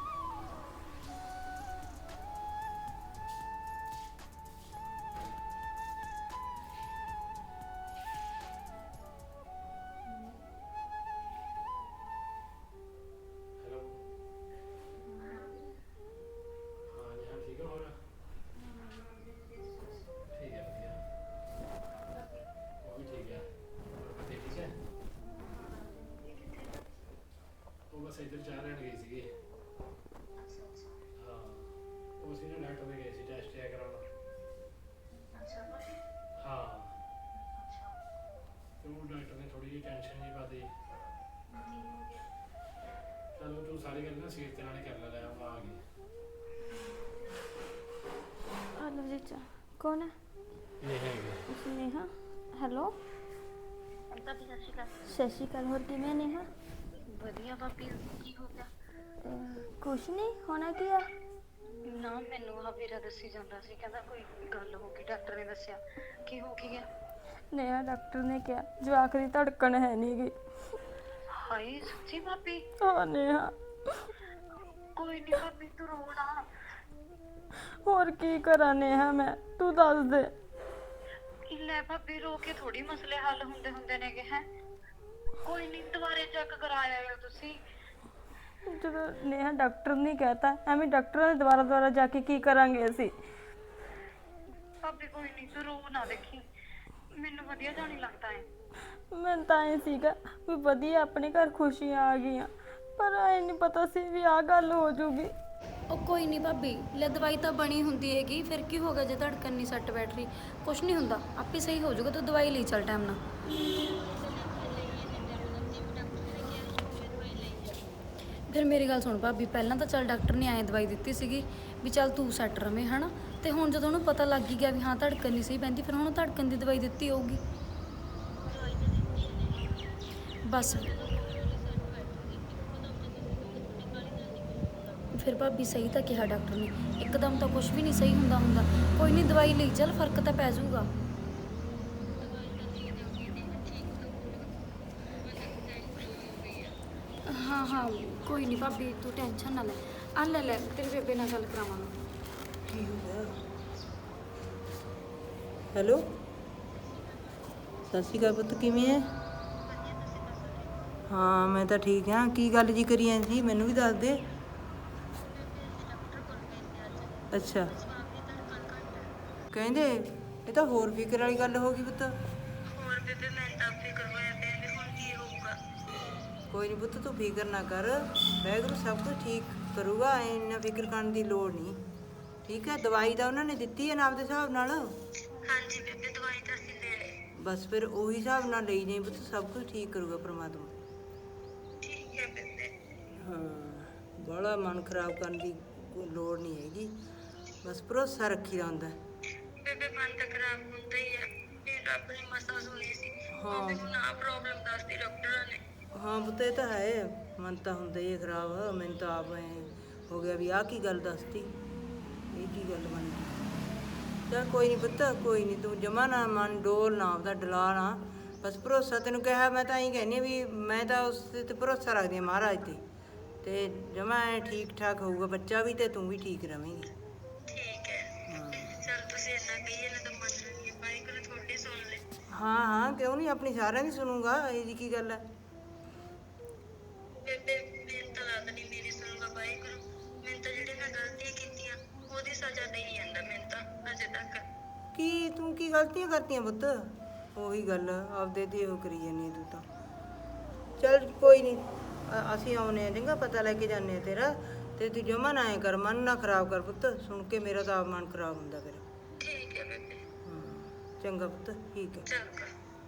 S1: ਹੈਲੋ, ਹਾਂ ਜੀ, ਹਾਂ ਠੀਕ ਹੈ। ਹੋਰ ਠੀਕ ਹੈ, ਵਧੀਆ, ਉਹ ਵੀ ਠੀਕ ਹੈ। ਬਸ ਇੱਧਰ ਚਾਹ ਲੈਣ ਗਈ ਸੀਗੀ। ਹਾਂ ਉਹ ਸੀ ਨਾ ਡਾਕਟਰ ਦੇ ਗਏ ਸੀ ਟੈਸਟ ਚੈੱਕ ਕਰਾਉਣ। ਹਾਂ ਤੇ ਉਹ ਡਾਕਟਰ ਨੇ ਥੋੜੀ ਜਿਹੀ ਟੈਨਸ਼ਨ ਜੀ ਪਾਤੀ। ਚਲੋ ਤੂੰ ਸਾਰੀ ਗੱਲ ਨਾ ਸੀਟ ਤੇ ਨਾਲੇ ਕਰ ਲੈ, ਲੈ ਆਪਾਂ ਆ ਗਏ।
S2: ਹਲੋ ਜੀ ਚਾ ਕੌਣ ਹੈ?
S1: ਇਹ ਹੈਗੇ
S2: ਨੇਹਾ। ਹੈਲੋ
S6: ਭਾਬੀ ਸਤਿ ਸ਼੍ਰੀ ਅਕਾਲ।
S2: ਸਤਿ ਸ਼੍ਰੀ ਅਕਾਲ। ਹੋਰ ਕਿਵੇਂ ਨੇਹਾ?
S6: ਵਧੀਆ ਭਾਬੀ, ਕੀ ਹੋ ਗਿਆ?
S2: ਅਹ, ਕੁਛ ਨਹੀਂ ਹੋਣਾ ਕੀ ਆ।
S6: ਨਾ ਮੈਨੂੰ ਆ ਵੀਰਾ ਦੱਸੀ ਜਾਂਦਾ ਸੀ, ਕਹਿੰਦਾ ਕੋਈ ਗੱਲ ਹੋ ਗਈ, ਡਾਕਟਰ ਨੇ ਦੱਸਿਆ। ਕੀ ਹੋ ਕੀ ਗਿਆ?
S5: ਨੇਹਾ ਡਾਕਟਰ ਨੇ ਕਿਹਾ ਜਵਾਕ ਦੀ ਧੜਕਣ ਹੈ ਨਹੀਂ ਗੀ।
S6: ਹਾਏ ਸੱਚੀ ਭਾਬੀ?
S5: ਹਾਂ ਨੇਹਾ।
S6: ਕੋਈ ਨਹੀਂ ਭਾਬੀ ਤੂੰ ਰੋ ਨਾ।
S5: ਹੋਰ ਕੀ ਕਰਾਂ ਨੇਹਾ ਮੈਂ, ਤੂੰ ਦੱਸ ਦੇ।
S6: ਲੈ ਭਾਬੀ ਰੋ ਕੇ ਥੋੜੀ ਮਸਲੇ ਹੱਲ ਹੁੰਦੇ ਹੁੰਦੇ ਨੇਗੇ। ਹੈ ਕੋਈ ਨਹੀਂ ਦੁਬਾਰੇ ਚੈੱਕ ਕਰਾ ਆਇਓ ਤੁਸੀਂ।
S5: ਜਦੋਂ ਨੇਹਾ ਡਾਕਟਰ ਨੇ ਕਹਿਤਾ, ਐਵੇਂ ਡਾਕਟਰਾਂ ਦੇ ਦੁਬਾਰਾ ਦੁਬਾਰਾ ਜਾ ਕੇ ਕੀ ਕਰਾਂਗੇ ਅਸੀਂ।
S6: ਭਾਬੀ ਕੋਈ ਨਹੀਂ ਤੂੰ ਰੋ ਨਾ, ਦੇਖੀ ਮੈਨੂੰ ਵਧੀਆ ਜਿਹਾ ਨਹੀਂ ਲੱਗਦਾ ਹੈ।
S5: ਮੈਨੂੰ ਤਾਂ ਐ ਸੀਗਾ ਵੀ ਵਧੀਆ ਆਪਣੇ ਘਰ ਖੁਸ਼ੀਆਂ ਆ ਗਈਆਂ, ਪਰ ਐ ਨਹੀਂ ਪਤਾ ਸੀ ਵੀ ਆਹ ਗੱਲ ਹੋ ਜੂਗੀ।
S7: ਉਹ ਕੋਈ ਨਹੀਂ ਭਾਬੀ, ਲੈ ਦਵਾਈ ਤਾਂ ਬਣੀ ਹੁੰਦੀ ਹੈਗੀ, ਫਿਰ ਕੀ ਹੋਗਾ ਜੇ ਧੜਕਣ ਨਹੀਂ ਸੱਟ ਬੈਠ ਰਹੀ, ਕੁਛ ਨਹੀਂ ਹੁੰਦਾ, ਆਪੇ ਸਹੀ ਹੋ ਜਾਊਗਾ। ਤੂੰ ਦਵਾਈ ਲਈ ਚੱਲ ਟਾਈਮ ਨਾਲ। ਫਿਰ ਮੇਰੀ ਗੱਲ ਸੁਣ ਭਾਬੀ, ਪਹਿਲਾਂ ਤਾਂ ਚੱਲ ਡਾਕਟਰ ਨੇ ਐਂ ਦਵਾਈ ਦਿੱਤੀ ਸੀਗੀ ਵੀ ਚੱਲ ਤੂੰ ਸੈੱਟ ਰਵੇਂ ਹੈ ਨਾ, ਤੇ ਹੁਣ ਜਦੋਂ ਉਹਨੂੰ ਪਤਾ ਲੱਗ ਹੀ ਗਿਆ ਵੀ ਹਾਂ ਧੜਕਣ ਨਹੀਂ ਸਹੀ ਪੈਂਦੀ, ਫਿਰ ਹੁਣ ਧੜਕਣ ਦੀ ਦਵਾਈ ਦਿੱਤੀ ਹੋਊਗੀ ਬਸ। ਫਿਰ ਭਾਬੀ ਸਹੀ ਤਾਂ ਕਿਹਾ ਡਾਕਟਰ ਨੇ, ਇੱਕਦਮ ਤਾਂ ਕੁਝ ਵੀ ਨਹੀਂ ਸਹੀ ਹੁੰਦਾ ਹੁੰਦਾ। ਕੋਈ ਨਹੀਂ ਦਵਾਈ ਲਈ ਚੱਲ, ਫਰਕ ਤਾਂ ਪੈ ਜਾਊਗਾ। ਹਾਂ ਹਾਂ ਕੋਈ ਨਹੀਂ ਭਾਬੀ, ਤੂੰ ਟੈਨਸ਼ਨ ਨਾ ਲੈ। ਆ ਲੈ ਲੈ ਤੇਰੇ ਬੇਬੇ ਨਾਲ ਗੱਲ ਕਰਾਵਾਂਗਾ।
S3: ਕੀ ਹੋ ਗਿਆ? ਹੈਲੋ ਸਤਿ ਸ਼੍ਰੀ ਅਕਾਲ ਪੁੱਤ, ਕਿਵੇਂ ਹੈ? ਹਾਂ ਮੈਂ ਤਾਂ ਠੀਕ ਹਾਂ। ਕੀ ਗੱਲ ਜੀ ਕਰੀ ਐ ਜੀ, ਮੈਨੂੰ ਵੀ ਦੱਸ ਦੇ। ਅੱਛਾ ਕਹਿੰਦੇ ਇਹ ਤਾਂ ਹੋਰ ਫਿਕਰ ਵਾਲੀ ਗੱਲ ਹੋ ਗਈ ਪੁੱਤ।
S6: ਹੋਰ ਬੇਬੇ ਮੈਂ ਤਾਂ ਫਿਕਰ ਹੋਇਆ ਪਿਆ ਵੀ ਹੁਣ ਕੀ ਹੋਊਗਾ।
S3: ਕੋਈ ਨਹੀਂ ਪੁੱਤ ਤੂੰ ਫਿਕਰ ਨਾ ਕਰ, ਵਾਹਿਗੁਰੂ ਸਭ ਕੁਝ ਠੀਕ ਕਰੂਗਾ, ਇੰਨਾ ਫਿਕਰ ਕਰਨ ਦੀ ਲੋੜ ਨਹੀਂ। ਠੀਕ ਹੈ, ਦਵਾਈ ਤਾਂ ਉਹਨਾਂ ਨੇ ਦਿੱਤੀ ਹੈ ਨਾ ਆਪਦੇ ਹਿਸਾਬ ਨਾਲ।
S6: ਹਾਂਜੀ ਬੇਬੇ ਦਵਾਈ ਤਾਂ ਅਸੀਂ ਲੈ ਲਈ।
S3: ਬਸ ਫਿਰ ਉਹੀ ਹਿਸਾਬ ਨਾਲ ਲਈ ਜਾਈਂ ਪੁੱਤ, ਸਭ ਕੁਝ ਠੀਕ ਕਰੂਗਾ ਪ੍ਰਮਾਤਮਾ।
S6: ਠੀਕ ਹੈ ਬੇਬੇ।
S3: ਹਾਂ ਬਾਹਲਾ ਮਨ ਖਰਾਬ ਕਰਨ ਦੀ ਕੋਈ ਲੋੜ ਨਹੀਂ ਹੈਗੀ, ਬਸ ਭਰੋਸਾ ਰੱਖੀਦਾ ਹੁੰਦਾ।
S6: ਬੇਬੇ ਮਨ ਤਾਂ ਖਰਾਬ ਹੁੰਦਾ ਹੀ ਹੈ, ਵੀ ਰੱਬ ਨੇ ਮਸਾਂ ਸੁਣੀ ਸੀ।
S3: ਹਾਂ।
S6: ਉਹ ਮੈਨੂੰ ਨਾ ਪ੍ਰੋਬਲਮ ਦੱਸਦੀ ਡਾਕਟਰਾਂ ਨੇ।
S3: ਹਾਂ ਪੁੱਤ ਇਹ ਤਾਂ ਹੈ, ਮਨ ਤਾਂ ਹੁੰਦਾ ਹੀ ਹੈ ਖਰਾਬ। ਮੈਨੂੰ ਤਾਂ ਆਪ ਐਂ ਹੋ ਗਿਆ ਵੀ ਆਹ ਕੀ ਗੱਲ ਦੱਸਤੀ, ਇਹ ਕੀ ਗੱਲ ਬਣ ਗਈ। ਚੱਲ ਕੋਈ ਨਹੀਂ ਪੁੱਤ, ਕੋਈ ਨਹੀਂ, ਤੂੰ ਜਮਾ ਨਾ ਮਨ ਡੋਲ ਨਾ, ਆਪਦਾ ਡਲਾ ਨਾ, ਬਸ ਭਰੋਸਾ ਤੈਨੂੰ ਕਿਹਾ। ਮੈਂ ਤਾਂ ਇਹੀ ਕਹਿੰਦੀ ਵੀ ਮੈਂ ਤਾਂ ਉਸ 'ਤੇ ਭਰੋਸਾ ਰੱਖਦੀ ਹਾਂ ਮਹਾਰਾਜ 'ਤੇ, ਤੇ ਜਮਾ ਐਂ ਠੀਕ ਠਾਕ ਹੋਊਗਾ ਬੱਚਾ ਵੀ, ਤੇ ਤੂੰ ਵੀ ਠੀਕ ਰਵੇਂਗੀ।
S6: ਠੀਕ ਹੈ
S3: ਹਾਂ
S6: ਚਲ ਤੁਸੀਂ ਇੰਨਾ ਕਹੀਏ ਨਾ ਤਾਂ ਮੰਨ ਲੈਂਦੀ ਹਾਂ, ਵਾਹਿਗੁਰੂ ਤੁਹਾਡੀ ਸੁਣ ਲੈ।
S3: ਹਾਂ ਹਾਂ ਕਿਉਂ ਨਹੀਂ, ਆਪਣੀ ਸਾਰਿਆਂ ਦੀ ਸੁਣੂਗਾ, ਇਹ ਜੀ ਕੀ ਗੱਲ ਹੈ।
S6: ਬੇਬੇ ਮੈਨੂੰ ਤਾਂ ਲੱਗਦਾ ਨਹੀਂ ਮੇਰੀ ਸੁਣੂਗਾ ਵਾਹਿਗੁਰੂ। ਮੈਨੂੰ ਤਾਂ ਜਿਹੜੇ ਮੈਂ ਗਲਤੀਆਂ ਕੀਤੀਆਂ ਉਹਦੀ ਸਜ਼ਾ ਦੇਈ ਜਾਂਦਾ ਮੈਨੂੰ ਤਾਂ ਅਜੇ ਤੱਕ।
S3: ਕੀ ਤੂੰ ਕੀ ਗਲਤੀਆਂ ਕਰਤੀਆਂ ਪੁੱਤ? ਉਹੀ ਗੱਲ ਆਪਦੇ ਤੇ ਉਹ ਕਰੀ ਜਾਂਦੀ ਤੂੰ ਤਾਂ। ਚੱਲ ਕੋਈ ਨਹੀਂ, ਅਸੀਂ ਆਉਨੇ ਆ, ਚੰਗਾ ਪਤਾ ਲੈ ਕੇ ਜਾਂਦੇ ਆ ਤੇਰਾ, ਤੇ ਤੂੰ ਜਮਾ ਨਾ ਐਂ ਕਰ, ਮਨ ਨਾ ਖਰਾਬ ਕਰ ਪੁੱਤ, ਸੁਣ ਕੇ ਮੇਰਾ ਤਾਂ ਆਪ ਮਨ ਖਰਾਬ ਹੁੰਦਾ ਫਿਰ।
S6: ਠੀਕ ਹੈ ਬੇਬੇ।
S3: ਹਾਂ ਚੰਗਾ ਪੁੱਤ, ਠੀਕ ਹੈ।
S6: ਚੰਗਾ।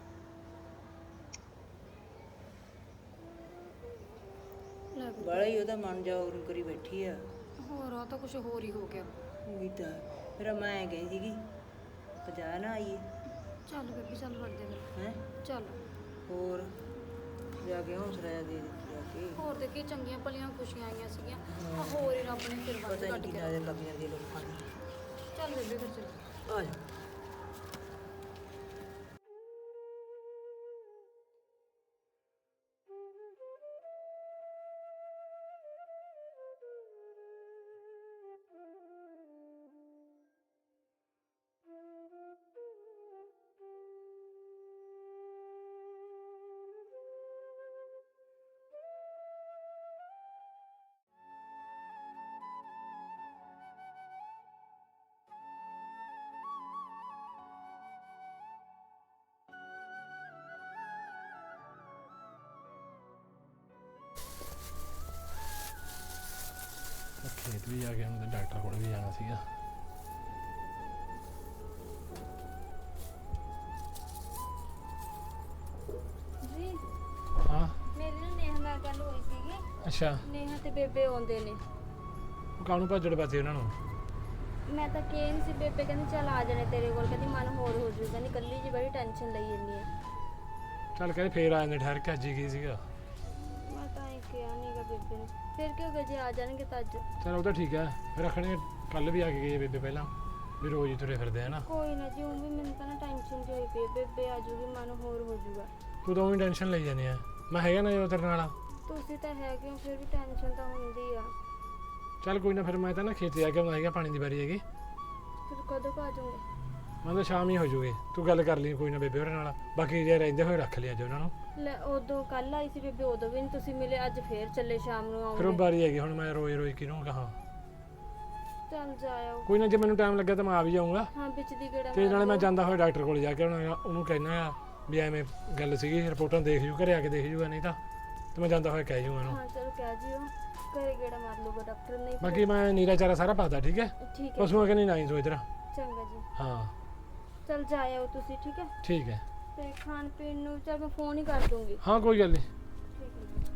S7: ਲੈ
S3: ਬਾਲਾ ਹੀ ਉਹਦਾ ਮਨ ਜਾ ਉਰੂ ਕਰੀ ਬੈਠੀ ਆ।
S7: ਹੋਰ ਆ ਤਾਂ ਕੁਝ ਹੋਰ ਹੀ ਹੋ ਗਿਆ।
S3: ਉਹੀ ਤਾਂ ਫਿਰ ਮੈਂ ਐਂ ਕਹੀ ਸੀਗੀ ਪਜਾ ਨਾ ਆਈਏ।
S7: ਚੱਲ ਬੇਬੀ ਚੱਲ ਵੜਦੇ ਫਿਰ।
S3: ਹੈਂ
S7: ਚੱਲ
S3: ਹੋਰ ਜਾ ਕੇ ਹੌਸਲਾ ਜਿਹਾ ਦੇ ਦਿੱਤੀ ਜਾ ਕੇ।
S7: ਹੋਰ ਦੇ ਕੀ ਚੰਗੀਆਂ ਭਲੀਆਂ ਖੁਸ਼ੀਆਂ ਆਈਆਂ ਸੀਗੀਆਂ, ਆ ਹੋਰ ਹੀ ਰੱਬ ਨੇ ਫਿਰ ਵੱਧ
S3: ਪਤਾ ਨਹੀਂ
S7: ਕੱਢ
S3: ਕੀ
S7: ਕੇ।
S3: ਨਜ਼ਰ ਲੱਗ ਜਾਂਦੀ ਹੈ ਲੋਕਾਂ ਦੀ।
S7: ਚੱਲ ਬੇਬੇ ਫਿਰ ਚੱਲ।
S3: ਆ ਜਾ।
S1: ਖੇਤ ਵੀ ਜਾ ਕੇ ਹੁਣ ਡਾਕਟਰ ਕੋਲ ਵੀ ਜਾਣਾ ਸੀਗਾ।
S2: ਜੀ
S1: ਹਾਂ
S2: ਮੇਰੀ ਨਾ ਨੇਹਾ ਨਾਲ ਗੱਲ ਹੋਈ ਸੀਗੀ।
S1: ਅੱਛਾ,
S2: ਨੇਹਾ ਤੇ ਬੇਬੇ ਆਉਂਦੇ ਨੇ।
S1: ਉਹ ਕਾਹਨੂੰ ਭੱਜੜ ਪਾਤੇ ਉਹਨਾਂ ਨੂੰ?
S2: ਮੈਂ ਤਾਂ ਕਿਹਾ ਨਹੀਂ ਸੀ, ਬੇਬੇ ਕਹਿੰਦੀ ਚੱਲ ਆ ਜਾਣੇ ਤੇਰੇ ਕੋਲ, ਕਹਿੰਦੀ ਮਨ ਹੋਰ ਹੋ ਜੂ, ਕਹਿੰਦੀ ਕੱਲੀ ਜੀ ਬੜੀ ਟੈਨਸ਼ਨ ਲਈ ਜੰਨੀ ਆ।
S1: ਚੱਲ ਕਹਿੰਦੇ ਫੇਰ ਆ ਜਾਂਦੇ, ਠਹਿਰ ਕੇ ਅੱਜ ਹੀ ਗਈ ਸੀਗਾ।
S2: ਮੈਂ ਤਾਂ ਇਹ ਕਿਹਾ ਨਹੀਂਗਾ ਬੇਬੇ ਨੂੰ, ਫਿਰ ਕੀ ਹੋ ਗਿਆ ਜੇ ਆ ਜਾਣਗੇ ਤਾਂ ਅੱਜ।
S1: ਚਲ ਉਹ ਤਾਂ ਠੀਕ ਹੈ, ਫਿਰ ਰੱਖਣੇ ਕੱਲ ਵੀ ਆ ਕੇ ਗਈ ਹੈ ਬੇਬੇ ਪਹਿਲਾਂ, ਵੀ ਰੋਜ਼ ਹੀ ਤੁਰੇ ਫਿਰਦੇ ਆ ਨਾ।
S2: ਕੋਈ ਨਾ ਜੀ, ਉਹ ਵੀ ਮੈਨੂੰ ਤਾਂ ਨਾ ਟੈਨਸ਼ਨ ਜਿਹੀ ਹੋਈ ਪਈ ਹੈ, ਬੇਬੇ ਆ ਜੂਗੀ ਮਨ ਹੋਰ ਹੋ ਜੂਗਾ।
S1: ਤੂੰ ਤਾਂ ਉਹੀ ਟੈਨਸ਼ਨ ਲਈ ਜਾਂਦੀ ਆ, ਮੈਂ ਹੈਗਾ ਨਾ ਜਦੋਂ ਤੇਰੇ ਨਾਲ।
S2: ਤੁਸੀਂ ਤਾਂ ਹੈਗੇ ਹੋ, ਫਿਰ ਵੀ ਟੈਨਸ਼ਨ ਤਾਂ ਹੁੰਦੀ ਆ।
S1: ਚੱਲ ਕੋਈ ਨਾ, ਫਿਰ ਮੈਂ ਤਾਂ ਨਾ ਖੇਤ ਜਾ ਕੇ ਆਉਂਦਾ ਹੈਗਾ, ਪਾਣੀ ਦੀ ਵਾਰੀ ਹੈਗੀ।
S2: ਫਿਰ ਕਦੋਂ ਕੁ ਆ ਜਾਓਗੇ?
S1: ਮੈਂ ਤਾਂ ਸ਼ਾਮ ਹੀ ਹੋ ਜੂਗੀ, ਤੂੰ ਗੱਲ ਕਰ ਲਈ ਕੋਈ ਨਾ ਬੇਬੇ ਉਹਦੇ ਨਾਲ, ਬਾਕੀ ਜੇ ਰਹਿੰਦੇ ਹੋਏ ਰੱਖ ਲਿਆ ਜੋ ਉਹਨਾਂ ਨੂੰ।
S2: ਲੈ ਉਦੋਂ ਕੱਲ ਆਈ ਸੀ ਬੇਬੇ, ਉਦੋਂ ਵੀ ਨਹੀਂ ਤੁਸੀਂ ਮਿਲੇ, ਅੱਜ ਫੇਰ ਚੱਲੇ ਸ਼ਾਮ ਨੂੰ
S1: ਫਿਰ ਉਹ
S2: ਆਉਂਗੇ।
S1: ਵਾਰੀ ਹੈਗੀ, ਹੁਣ ਮੈਂ ਰੋਜ਼ ਰੋਜ਼ ਕਿਹਨੂੰ ਕਹਾਂ।
S2: ਚੱਲ ਜਾਇਓ।
S1: ਕੋਈ ਨਾ, ਜੇ ਮੈਨੂੰ ਟਾਈਮ ਲੱਗਿਆ ਤਾਂ ਮੈਂ ਆ ਵੀ ਜਾਊਂਗਾ।
S2: ਹਾਂ ਵਿੱਚ ਦੀ ਗੇੜਾ
S1: ਤੇ
S2: ਮਾਰ
S1: ਨਾਲੇ ਮੈਂ
S2: ਲਿਓ।
S1: ਜਾਂਦਾ ਹੋਇਆ ਡਾਕਟਰ ਕੋਲ ਜਾ ਕੇ ਉਹਨਾਂ ਉਹਨੂੰ ਕਹਿਣਾ ਆ ਵੀ ਐਵੇਂ ਗੱਲ ਸੀਗੀ, ਰਿਪੋਰਟਾਂ ਦੇਖ ਜੂ, ਘਰੇ ਆ ਕੇ ਦੇਖ ਜੂਗਾ, ਨਹੀਂ ਤਾਂ ਤੇ ਮੈਂ ਜਾਂਦਾ ਹੋਇਆ ਕਹਿ ਜੂਗਾ ਉਹਨੂੰ।
S2: ਹਾਂ ਚਲੋ ਕਹਿ ਜਿਓ, ਘਰੇ ਗੇੜਾ ਮਾਰ ਲੂਗਾ ਡਾਕਟਰ ਨੇ।
S1: ਬਾਕੀ ਮੈਂ ਨੀਰਾ ਚਾਰਾ ਸਾਰਾ ਪਾਤਾ, ਠੀਕ ਹੈ?
S2: ਠੀਕ ਹੈ
S1: ਪਸ਼ੂਆਂ ਕਿ ਨਹੀਂ ਨਾ ਤੂੰ ਇਧਰ।
S2: ਚੰਗਾ ਜੀ।
S1: ਹਾਂ
S2: ਚੱਲ ਜਾਇਓ ਤੁਸੀਂ, ਠੀਕ ਹੈ?
S1: ਠੀਕ ਹੈ।
S2: ਤੇ ਖਾਣ ਪੀਣ ਨੂੰ ਚੱਲ ਮੈਂ ਫੋਨ ਹੀ ਕਰ ਦੂੰਗੀ।
S1: ਹਾਂ ਕੋਈ ਗੱਲ ਨਹੀਂ।
S2: ਠੀਕ ਹੈ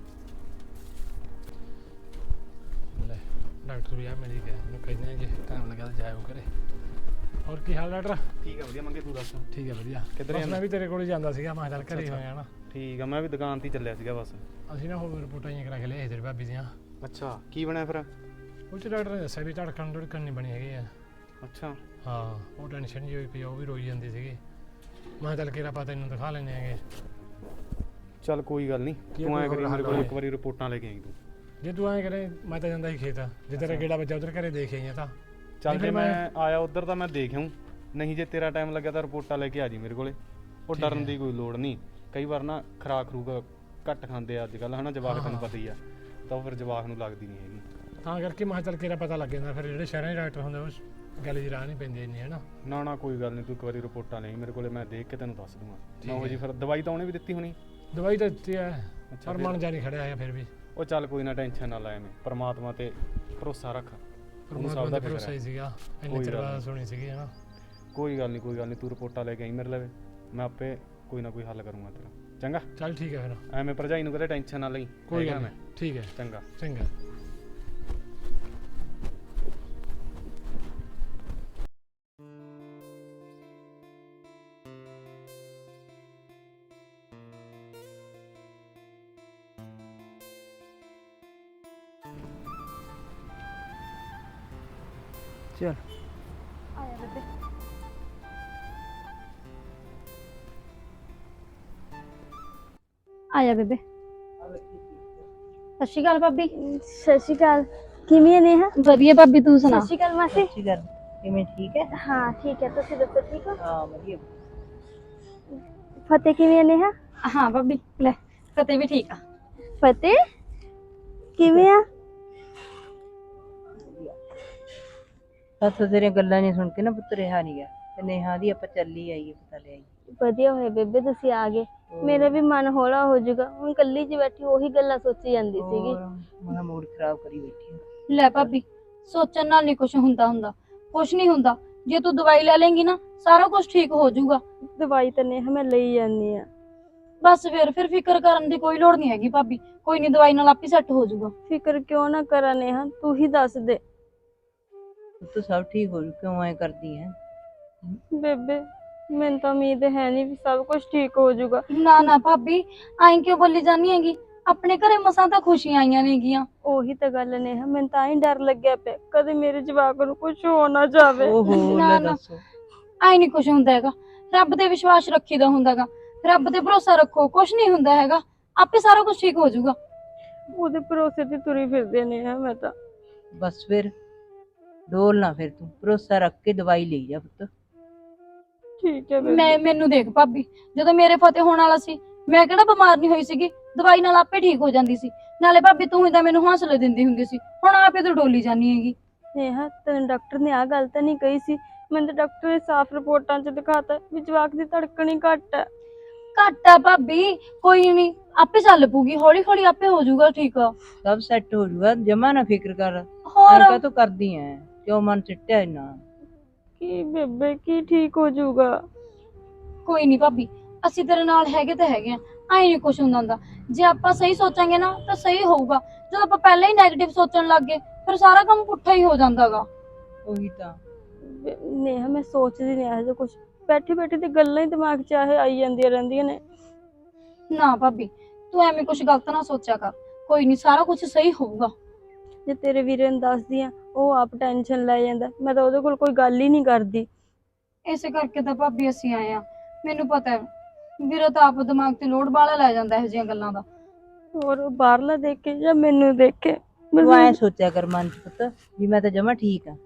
S2: ਜੀ।
S1: ਲੈ ਡਾਕਟਰ ਵੀ ਆ ਮੇਰੀ ਕਹਿ ਮੈਨੂੰ ਕਹਿੰਦੇ ਜੇ ਟਾਈਮ ਲੱਗਾ ਤਾਂ ਜਾਇਓ ਘਰੇ। ਹੋਰ ਕੀ ਹਾਲ ਡਾਕਟਰ?
S8: ਠੀਕ ਆ ਵਧੀਆ ਮੰਗੇ, ਤੂੰ ਦੱਸ?
S1: ਠੀਕ ਹੈ ਵਧੀਆ।
S8: ਕਿੱਧਰ
S1: ਬਸ
S8: ਜਾਂਦਾ?
S1: ਮੈਂ ਵੀ ਤੇਰੇ ਕੋਲ ਹੀ ਜਾਂਦਾ ਸੀਗਾ, ਮੈਂ ਕਿਹਾ ਚੱਲ ਘਰੇ
S8: ਅੱਛਾ,
S1: ਹੋਇਆ ਨਾ।
S8: ਠੀਕ ਆ, ਮੈਂ ਵੀ ਦੁਕਾਨ ਤੇ ਹੀ ਚੱਲਿਆ ਸੀਗਾ ਬਸ।
S1: ਅਸੀਂ ਨਾ ਹੋਰ ਰਿਪੋਰਟਾਂ ਹੀ ਕਰਾ ਕੇ ਲਿਆਏ ਤੇਰੀ ਭਾਬੀ ਦੀਆਂ।
S8: ਅੱਛਾ, ਕੀ ਬਣਿਆ ਫਿਰ?
S1: ਉਹ 'ਚ ਡਾਕਟਰ ਨੇ ਦੱਸਿਆ ਵੀ ਧੜਕਣ ਧੜਕਣ ਨਹੀਂ ਬਣੀ ਹੈਗੀ ਆ।
S8: ਅੱਛਾ,
S1: ਹਾਂ ਉਹ ਟੈਨਸ਼ਨ ਜਿਹੀ ਹੋਈ ਪਈ ਆ, ਉਹ ਵੀ ਰੋਈ ਜਾਂਦੀ ਸੀਗੀ। ਮੈਂ ਕਿਹਾ ਚੱਲ ਕਿਹੜਾ ਪਤਾ ਤੈਨੂੰ ਦਿਖਾ ਲੈਂਦੇ ਹੈਗੇ।
S8: ਚੱਲ ਕੋਈ ਗੱਲ ਨਹੀਂ,
S1: ਕੀ
S8: ਤੂੰ ਐਂ
S1: ਕੋਈ
S8: ਕਰੀ
S1: ਹੋਰ
S8: ਮੇਰੇ ਕੋਲ
S1: ਹੱਲ
S8: ਇੱਕ ਵਾਰੀ ਰਿਪੋਰਟਾਂ ਲੈ ਕੇ ਆਈ ਤੂੰ।
S1: ਜੇ ਤੂੰ ਐਂ ਕਰੇ ਮੈਂ ਤਾਂ ਜਾਂਦਾ ਸੀ ਖੇਤ, ਜੇ ਤੇਰਾ ਗੇੜਾ ਵੱਜਾ ਉਧਰ ਘਰੇ ਦੇਖ ਆਈਆਂ ਤਾਂ।
S8: ਚੱਲ
S1: ਨਹੀਂ
S8: ਜੇ
S1: ਫਿਰ
S8: ਮੈਂ
S1: ਮੈਂ-
S8: ਆਇਆ ਉਧਰ ਤਾਂ ਮੈਂ ਦੇਖ ਆਊਂ, ਨਹੀਂ ਜੇ ਤੇਰਾ ਟਾਈਮ ਲੱਗਿਆ ਤਾਂ ਰਿਪੋਰਟਾਂ ਲੈ ਕੇ ਆ ਜੀ ਮੇਰੇ ਕੋਲੇ। ਉਹ
S1: ਠੀਕ
S8: ਡਰਨ
S1: ਹੈ।
S8: ਦੀ ਕੋਈ ਲੋੜ ਨਹੀਂ, ਕਈ ਵਾਰ ਨਾ ਖਰਾਕ ਖਰੂਕ ਘੱਟ ਖਾਂਦੇ ਆ ਅੱਜ ਕੱਲ੍ਹ, ਹਨਾ ਜਵਾਕ
S1: ਹਾਂ,
S8: ਤੈਨੂੰ
S1: ਹਾਂ।
S8: ਪਤਾ ਹੀ ਆ, ਤਾਂ ਉਹ ਫਿਰ ਜਵਾਕ ਨੂੰ ਲੱਗਦੀ ਨਹੀਂ ਹੈਗੀ।
S1: ਤਾਂ ਕਰਕੇ ਮੈਂ ਕਿਹਾ ਚੱਲ ਕਿਹੜਾ ਪਤਾ ਲੱਗ ਜਾਂਦਾ, ਫਿਰ ਜਿਹੜੇ ਸ਼ਹਿਰਾਂ ਦੇ ਡਾਕਟਰ ਹੁੰਦੇ ਉਸ ਗੱਲ ਦੀ ਰਾਹ ਨਹੀਂ ਪੈਂਦੀ ਇੰਨੀ ਹੈ ਨਾ।
S8: ਨਾ ਨਾ ਕੋਈ ਗੱਲ ਨਹੀਂ, ਤੂੰ ਇੱਕ ਵਾਰੀ ਰਿਪੋਰਟਾਂ ਲੈ ਆਈ ਮੇਰੇ ਕੋਲੇ, ਮੈਂ ਦੇਖ ਕੇ ਤੈਨੂੰ ਦੱਸ ਦੂੰਗਾ।
S1: ਠੀਕ
S8: ਨੌ ਵਜੇ
S1: ਹੈ।
S8: ਫਿਰ ਦਵਾਈ ਤਾਂ ਉਹਨੇ ਵੀ ਦਿੱਤੀ ਹੋਣੀ।
S1: ਦਵਾਈ ਤਾਂ ਦਿੱਤੀ ਹੈ,
S8: ਅੱਛਾ,
S1: ਪਰ
S8: ਫਿਰ-
S1: ਮਨ ਜਾ ਨਹੀਂ ਖੜਿਆ ਹੈ ਫਿਰ ਵੀ।
S8: ਉਹ ਚੱਲ ਕੋਈ ਨਾ, ਟੈਨਸ਼ਨ ਨਾ ਲੈ, ਮੈਂ ਪਰਮਾਤਮਾ ਤੇ ਭਰੋਸਾ ਰੱਖ, ਉਹਨੂੰ
S1: ਪਰਮਾਤਮਾ
S8: ਸਭ
S1: ਦਾ
S8: ਦਾ
S1: ਭਰੋਸਾ
S8: ਫਿਕਰ
S1: ਹੀ
S8: ਹੈ।
S1: ਸੀਗਾ, ਇੰਨੀ
S8: ਕੋਈ
S1: ਚਿਰ
S8: ਗੱਲ
S1: ਬਾਅਦ
S8: ਨਹੀਂ।
S1: ਸੁਣੀ ਸੀਗੀ ਹੈ ਨਾ।
S8: ਕੋਈ ਗੱਲ ਨਹੀਂ ਕੋਈ ਗੱਲ ਨਹੀਂ, ਤੂੰ ਰਿਪੋਰਟਾਂ ਲੈ ਕੇ ਆਈ ਮੇਰੇ ਲਵੇ, ਮੈਂ ਆਪੇ ਕੋਈ ਨਾ ਕੋਈ ਹੱਲ ਕਰੂੰਗਾ ਤੇਰਾ। ਚੰਗਾ,
S1: ਚੱਲ ਠੀਕ ਹੈ ਫਿਰ।
S8: ਐਵੇਂ ਭਰਜਾਈ ਨੂੰ ਕਦੇ ਟੈਨਸ਼ਨ ਨਾ ਲਈ।
S1: ਕੋਈ
S8: ਹੈਗਾ
S1: ਗੱਲ
S8: ਮੈਂ।
S1: ਨਹੀਂ, ਠੀਕ ਹੈ
S8: ਚੰਗਾ।
S1: ਚੰਗਾ।
S3: ਚਲ
S2: ਆਇਆ ਬੇਬੇ।
S7: ਆਇਆ ਬੇਬੇ। ਸਤਿ ਸ਼੍ਰੀ ਅਕਾਲ ਭਾਬੀ।
S2: ਸਤਿ ਸ਼੍ਰੀ ਅਕਾਲ। ਕਿਵੇਂ ਨੇ ਹਾਂ?
S7: ਵਧੀਆ ਭਾਬੀ, ਤੂੰ ਸੁਣਾ?
S2: ਸਤਿ ਸ਼੍ਰੀ ਅਕਾਲ ਮਾਸੀ।
S3: ਕੀ ਕਰ ਕਿਵੇਂ ਠੀਕ ਹੈ?
S2: ਹਾਂ ਠੀਕ ਹੈ, ਤੁਸੀਂ ਦੱਸੋ ਠੀਕ ਹੋ?
S3: ਹਾਂ ਵਧੀਆ।
S2: ਫਤਿਹ ਕਿਵੇਂ ਨੇ ਹਾਂ?
S7: ਹਾਂ ਭਾਬੀ, ਲੈ ਫਤਿਹ ਵੀ ਠੀਕ ਆ।
S2: ਫਤਿਹ ਕਿਵੇਂ ਆ?
S3: ਬਸ ਤੇਰੀਆਂ ਗੱਲਾਂ ਨਹੀਂ ਸੁਣ ਕੇ ਨਾ ਪੁੱਤ ਰਿਹਾ ਨਹੀਂ ਗਿਆ, ਤੇ ਨੇਹਾ ਦੀ ਆਪਾਂ ਚੱਲੀ ਆਈਏ, ਪਤਾ ਲੈ ਆਈ।
S2: ਵਧੀਆ ਹੋਇਆ ਬੇਬੇ ਤੁਸੀਂ ਆ ਗਏ, ਮੇਰਾ ਵੀ ਮਨ ਹੌਲਾ ਹੋ ਜਾਊਗਾ। ਹੁਣ ਕੱਲੀ ਜੀ ਬੈਠੀ ਉਹੀ ਗੱਲਾਂ ਸੋਚੀ ਜਾਂਦੀ ਸੀਗੀ।
S3: ਮੇਰਾ ਮੂਡ ਖਰਾਬ ਕਰੀ ਬੈਠੀ ਆ।
S7: ਲੈ ਭਾਬੀ, ਸੋਚਣ ਨਾਲ ਨਹੀਂ ਕੁਝ ਹੁੰਦਾ ਹੁੰਦਾ, ਕੁਝ ਨਹੀਂ ਹੁੰਦਾ। ਜੇ ਤੂੰ ਦਵਾਈ ਲੈ ਲੇਂਗੀ ਨਾ, ਸਾਰਾ ਕੁਝ ਠੀਕ ਹੋ ਜਾਊਗਾ।
S2: ਦਵਾਈ ਤਾਂ ਨੇਹਾ ਮੈਂ ਲਈ ਜਾਂਦੀ ਆ।
S7: ਬਸ ਫਿਰ ਫਿਰ ਫਿਕਰ ਕਰਨ ਦੀ ਕੋਈ ਲੋੜ ਨਹੀਂ ਹੈਗੀ ਭਾਬੀ, ਕੋਈ ਨਹੀਂ, ਦਵਾਈ ਨਾਲ ਆਪੇ ਸੈੱਟ ਹੋ ਜਾਊਗਾ।
S2: ਫਿਕਰ ਕਿਉਂ ਨਾ ਕਰਾਂ ਨੇਹਾ, ਤੂੰ ਹੀ ਦੱਸ ਦੇ।
S3: ਤੂੰ ਸਭ ਠੀਕ ਹੋ ਜੂ, ਕਿਉਂ ਐ ਕਰਦੀ ਹੈ?
S2: ਬੇਬੇ ਮੈਨੂੰ ਤਾਂ ਉਮੀਦ ਹੈ ਨਹੀਂ ਵੀ ਸਭ ਕੁਝ ਠੀਕ ਹੋ ਜਾਊਗਾ।
S7: ਨਾ ਨਾ ਭਾਬੀ, ਐਂ ਕਿਉਂ ਬੋਲੀ ਜਾਂਦੀ ਹੈਗੀ? ਆਪਣੇ ਘਰੇ ਮਸਾਂ ਤਾਂ ਖੁਸ਼ੀਆਂ ਆਈਆਂ ਨੇਗੀਆਂ।
S2: ਉਹੀ ਤਾਂ ਗੱਲ ਨੇਹਾ, ਮੈਨੂੰ ਤਾਂ ਹੀ ਡਰ ਲੱਗਿਆ ਪਿਆ, ਕਦੇ ਮੇਰੇ ਜਵਾਕ ਨੂੰ ਕੁਝ ਹੋ ਨਾ ਜਾਵੇ।
S3: ਓਹੋ
S7: ਨਾ
S3: ਲੈ
S7: ਨਾ,
S3: ਦੱਸੋ।
S7: ਐਂ ਨਹੀਂ ਕੁਝ ਹੁੰਦਾ ਹੈਗਾ। ਰੱਬ ਤੇ ਵਿਸ਼ਵਾਸ ਰੱਖੀਦਾ ਹੁੰਦਾਗਾ, ਰੱਬ ਤੇ ਭਰੋਸਾ ਰੱਖੋ, ਕੁਝ ਨਹੀਂ ਹੁੰਦਾ ਹੈਗਾ, ਆਪੇ ਸਾਰਾ ਕੁਝ ਠੀਕ ਹੋ ਜਾਊਗਾ।
S2: ਉਹਦੇ ਭਰੋਸੇ ਤੇ ਤੁਰੀ ਫਿਰਦੇ ਨੇਹਾ ਮੈਂ ਤਾਂ।
S3: ਬਸ ਫਿਰ ਡੋਲ ਨਾ, ਫਿਰ ਤੂੰ ਭਰੋਸਾ ਰੱਖ ਕੇ ਦਵਾਈ ਲਈ ਜਾ ਪੁੱਤ।
S2: ਠੀਕ ਹੈ ਬੇਬੇ।
S7: ਮੈਂ ਮੈਨੂੰ ਦੇਖ ਭਾਬੀ, ਜਦੋਂ ਮੇਰੇ ਫਤਿਹ ਹੋਣ ਵਾਲਾ ਸੀ, ਮੈਂ ਕਿਹੜਾ ਬਿਮਾਰ ਨਹੀਂ ਹੋਈ ਸੀਗੀ, ਦਵਾਈ ਨਾਲ ਆਪੇ ਠੀਕ ਹੋ ਜਾਂਦੀ ਸੀ। ਨਾਲੇ ਭਾਬੀ ਤੂੰ ਹੀ ਤਾਂ ਮੈਨੂੰ ਹੌਸਲੇ ਦਿੰਦੀ ਹੁੰਦੀ ਸੀ, ਹੁਣ ਆਪੇ ਤੂੰ ਡੋਲੀ ਜਾਨੀ ਹੈਗੀ।
S2: ਨੇਹਾ ਤੈਨੂੰ ਡਾਕਟਰ ਨੇ ਆ ਗੱਲ ਤਾਂ ਨਹੀਂ ਕਹੀ ਸੀ? ਮੈਨੂੰ ਤਾਂ ਡਾਕਟਰ ਨੇ ਸਾਫ਼ ਰਿਪੋਰਟਾਂ 'ਚ ਦਿਖਾਤਾ ਵੀ ਜਵਾਕ ਦੀ ਧੜਕਣ ਹੀ ਘੱਟ ਹੈ।
S7: ਘੱਟ ਆ ਭਾਬੀ, ਕੋਈ ਨਹੀਂ, ਆਪੇ ਚੱਲ ਪੂਗੀ, ਹੌਲੀ ਹੌਲੀ ਆਪੇ ਹੋ ਜਾਊਗਾ ਠੀਕ।
S3: ਸਭ ਸੈੱਟ ਹੋ ਜਾਊਗਾ, ਜਮਾ ਨਾ ਫਿਕਰ ਕਰ।
S7: ਹੋਰ
S3: ਐਂ ਕਾਹਤੋਂ ਕਰਦੀ ਐ, ਕਿਉਂ ਮਨ ਚਿੱਟਿਆ ਇੰਨਾ?
S5: ਕੀ ਬੇਬੇ ਕੀ ਠੀਕ ਹੋ ਜਾਊਗਾ?
S7: ਕੋਈ ਨਹੀਂ ਭਾਬੀ, ਅਸੀਂ ਤੇਰੇ ਨਾਲ ਹੈਗੇ ਤਾਂ ਹੈਗੇ ਆ, ਐਂ ਨਹੀਂ ਕੁਛ ਹੁੰਦਾ ਹੁੰਦਾ। ਜੇ ਆਪਾਂ ਸਹੀ ਸੋਚਾਂਗੇ ਨਾ ਤਾਂ ਸਹੀ ਹੋਊਗਾ। ਜਦੋਂ ਆਪਾਂ ਪਹਿਲਾਂ ਹੀ ਨੈਗੇਟਿਵ ਸੋਚਣ ਲੱਗ ਗਏ ਫਿਰ ਸਾਰਾ ਕੰਮ ਪੁੱਠਾ ਹੀ ਹੋ ਜਾਂਦਾਗਾ।
S3: ਉਹੀ ਤਾਂ।
S5: ਬੇ- ਨੇਹਾ ਮੈਂ ਸੋਚਦੀ ਨਹੀਂ ਇਹੋ ਜਿਹਾ ਕੁਛ, ਬੈਠੀ ਬੈਠੀ ਤੇ ਗੱਲਾਂ ਹੀ ਦਿਮਾਗ 'ਚ ਆਏ ਆਈ ਜਾਂਦੀਆਂ ਰਹਿੰਦੀਆਂ ਨੇ।
S7: ਨਾ ਭਾਬੀ, ਤੂੰ ਐਵੇਂ ਕੁਛ ਗਲਤ ਨਾ ਸੋਚਿਆ ਕਰ, ਕੋਈ ਨਹੀਂ ਸਾਰਾ ਕੁਝ ਸਹੀ ਹੋਊਗਾ।
S5: ਜੇ ਤੇਰੇ ਵੀਰੇ ਨੂੰ ਦੱਸਦੀ ਆ ਉਹ ਆਪ ਟੈਨਸ਼ਨ ਲੈ ਜਾਂਦਾ, ਮੈਂ ਤਾਂ ਉਹਦੇ ਕੋਲ ਕੋਈ ਗੱਲ ਹੀ ਨਹੀਂ ਕਰਦੀ।
S7: ਇਸੇ ਕਰਕੇ ਤਾਂ ਭਾਬੀ ਅਸੀਂ ਆਏ ਆ। ਮੈਨੂੰ ਪਤਾ ਹੈ ਵੀਰਾ ਤਾਂ ਆਪ ਦਿਮਾਗ ਤੇ ਲੋਡ ਬਾਲਾ ਲੈ ਜਾਂਦਾ ਇਹੋ ਜਿਹੀਆਂ ਗੱਲਾਂ ਦਾ।
S5: ਹੋਰ ਉਹ ਬਾਹਰਲਾ ਦੇਖ ਕੇ ਜਾਂ ਮੈਨੂੰ ਦੇਖ ਕੇ ਬਸ
S3: ਤੂੰ ਐ ਸੋਚਿਆ ਕਰ ਮਨ ਚ ਪੁੱਤ ਵੀ ਮੈਂ ਤਾਂ ਜਮਾ ਠੀਕ ਆ,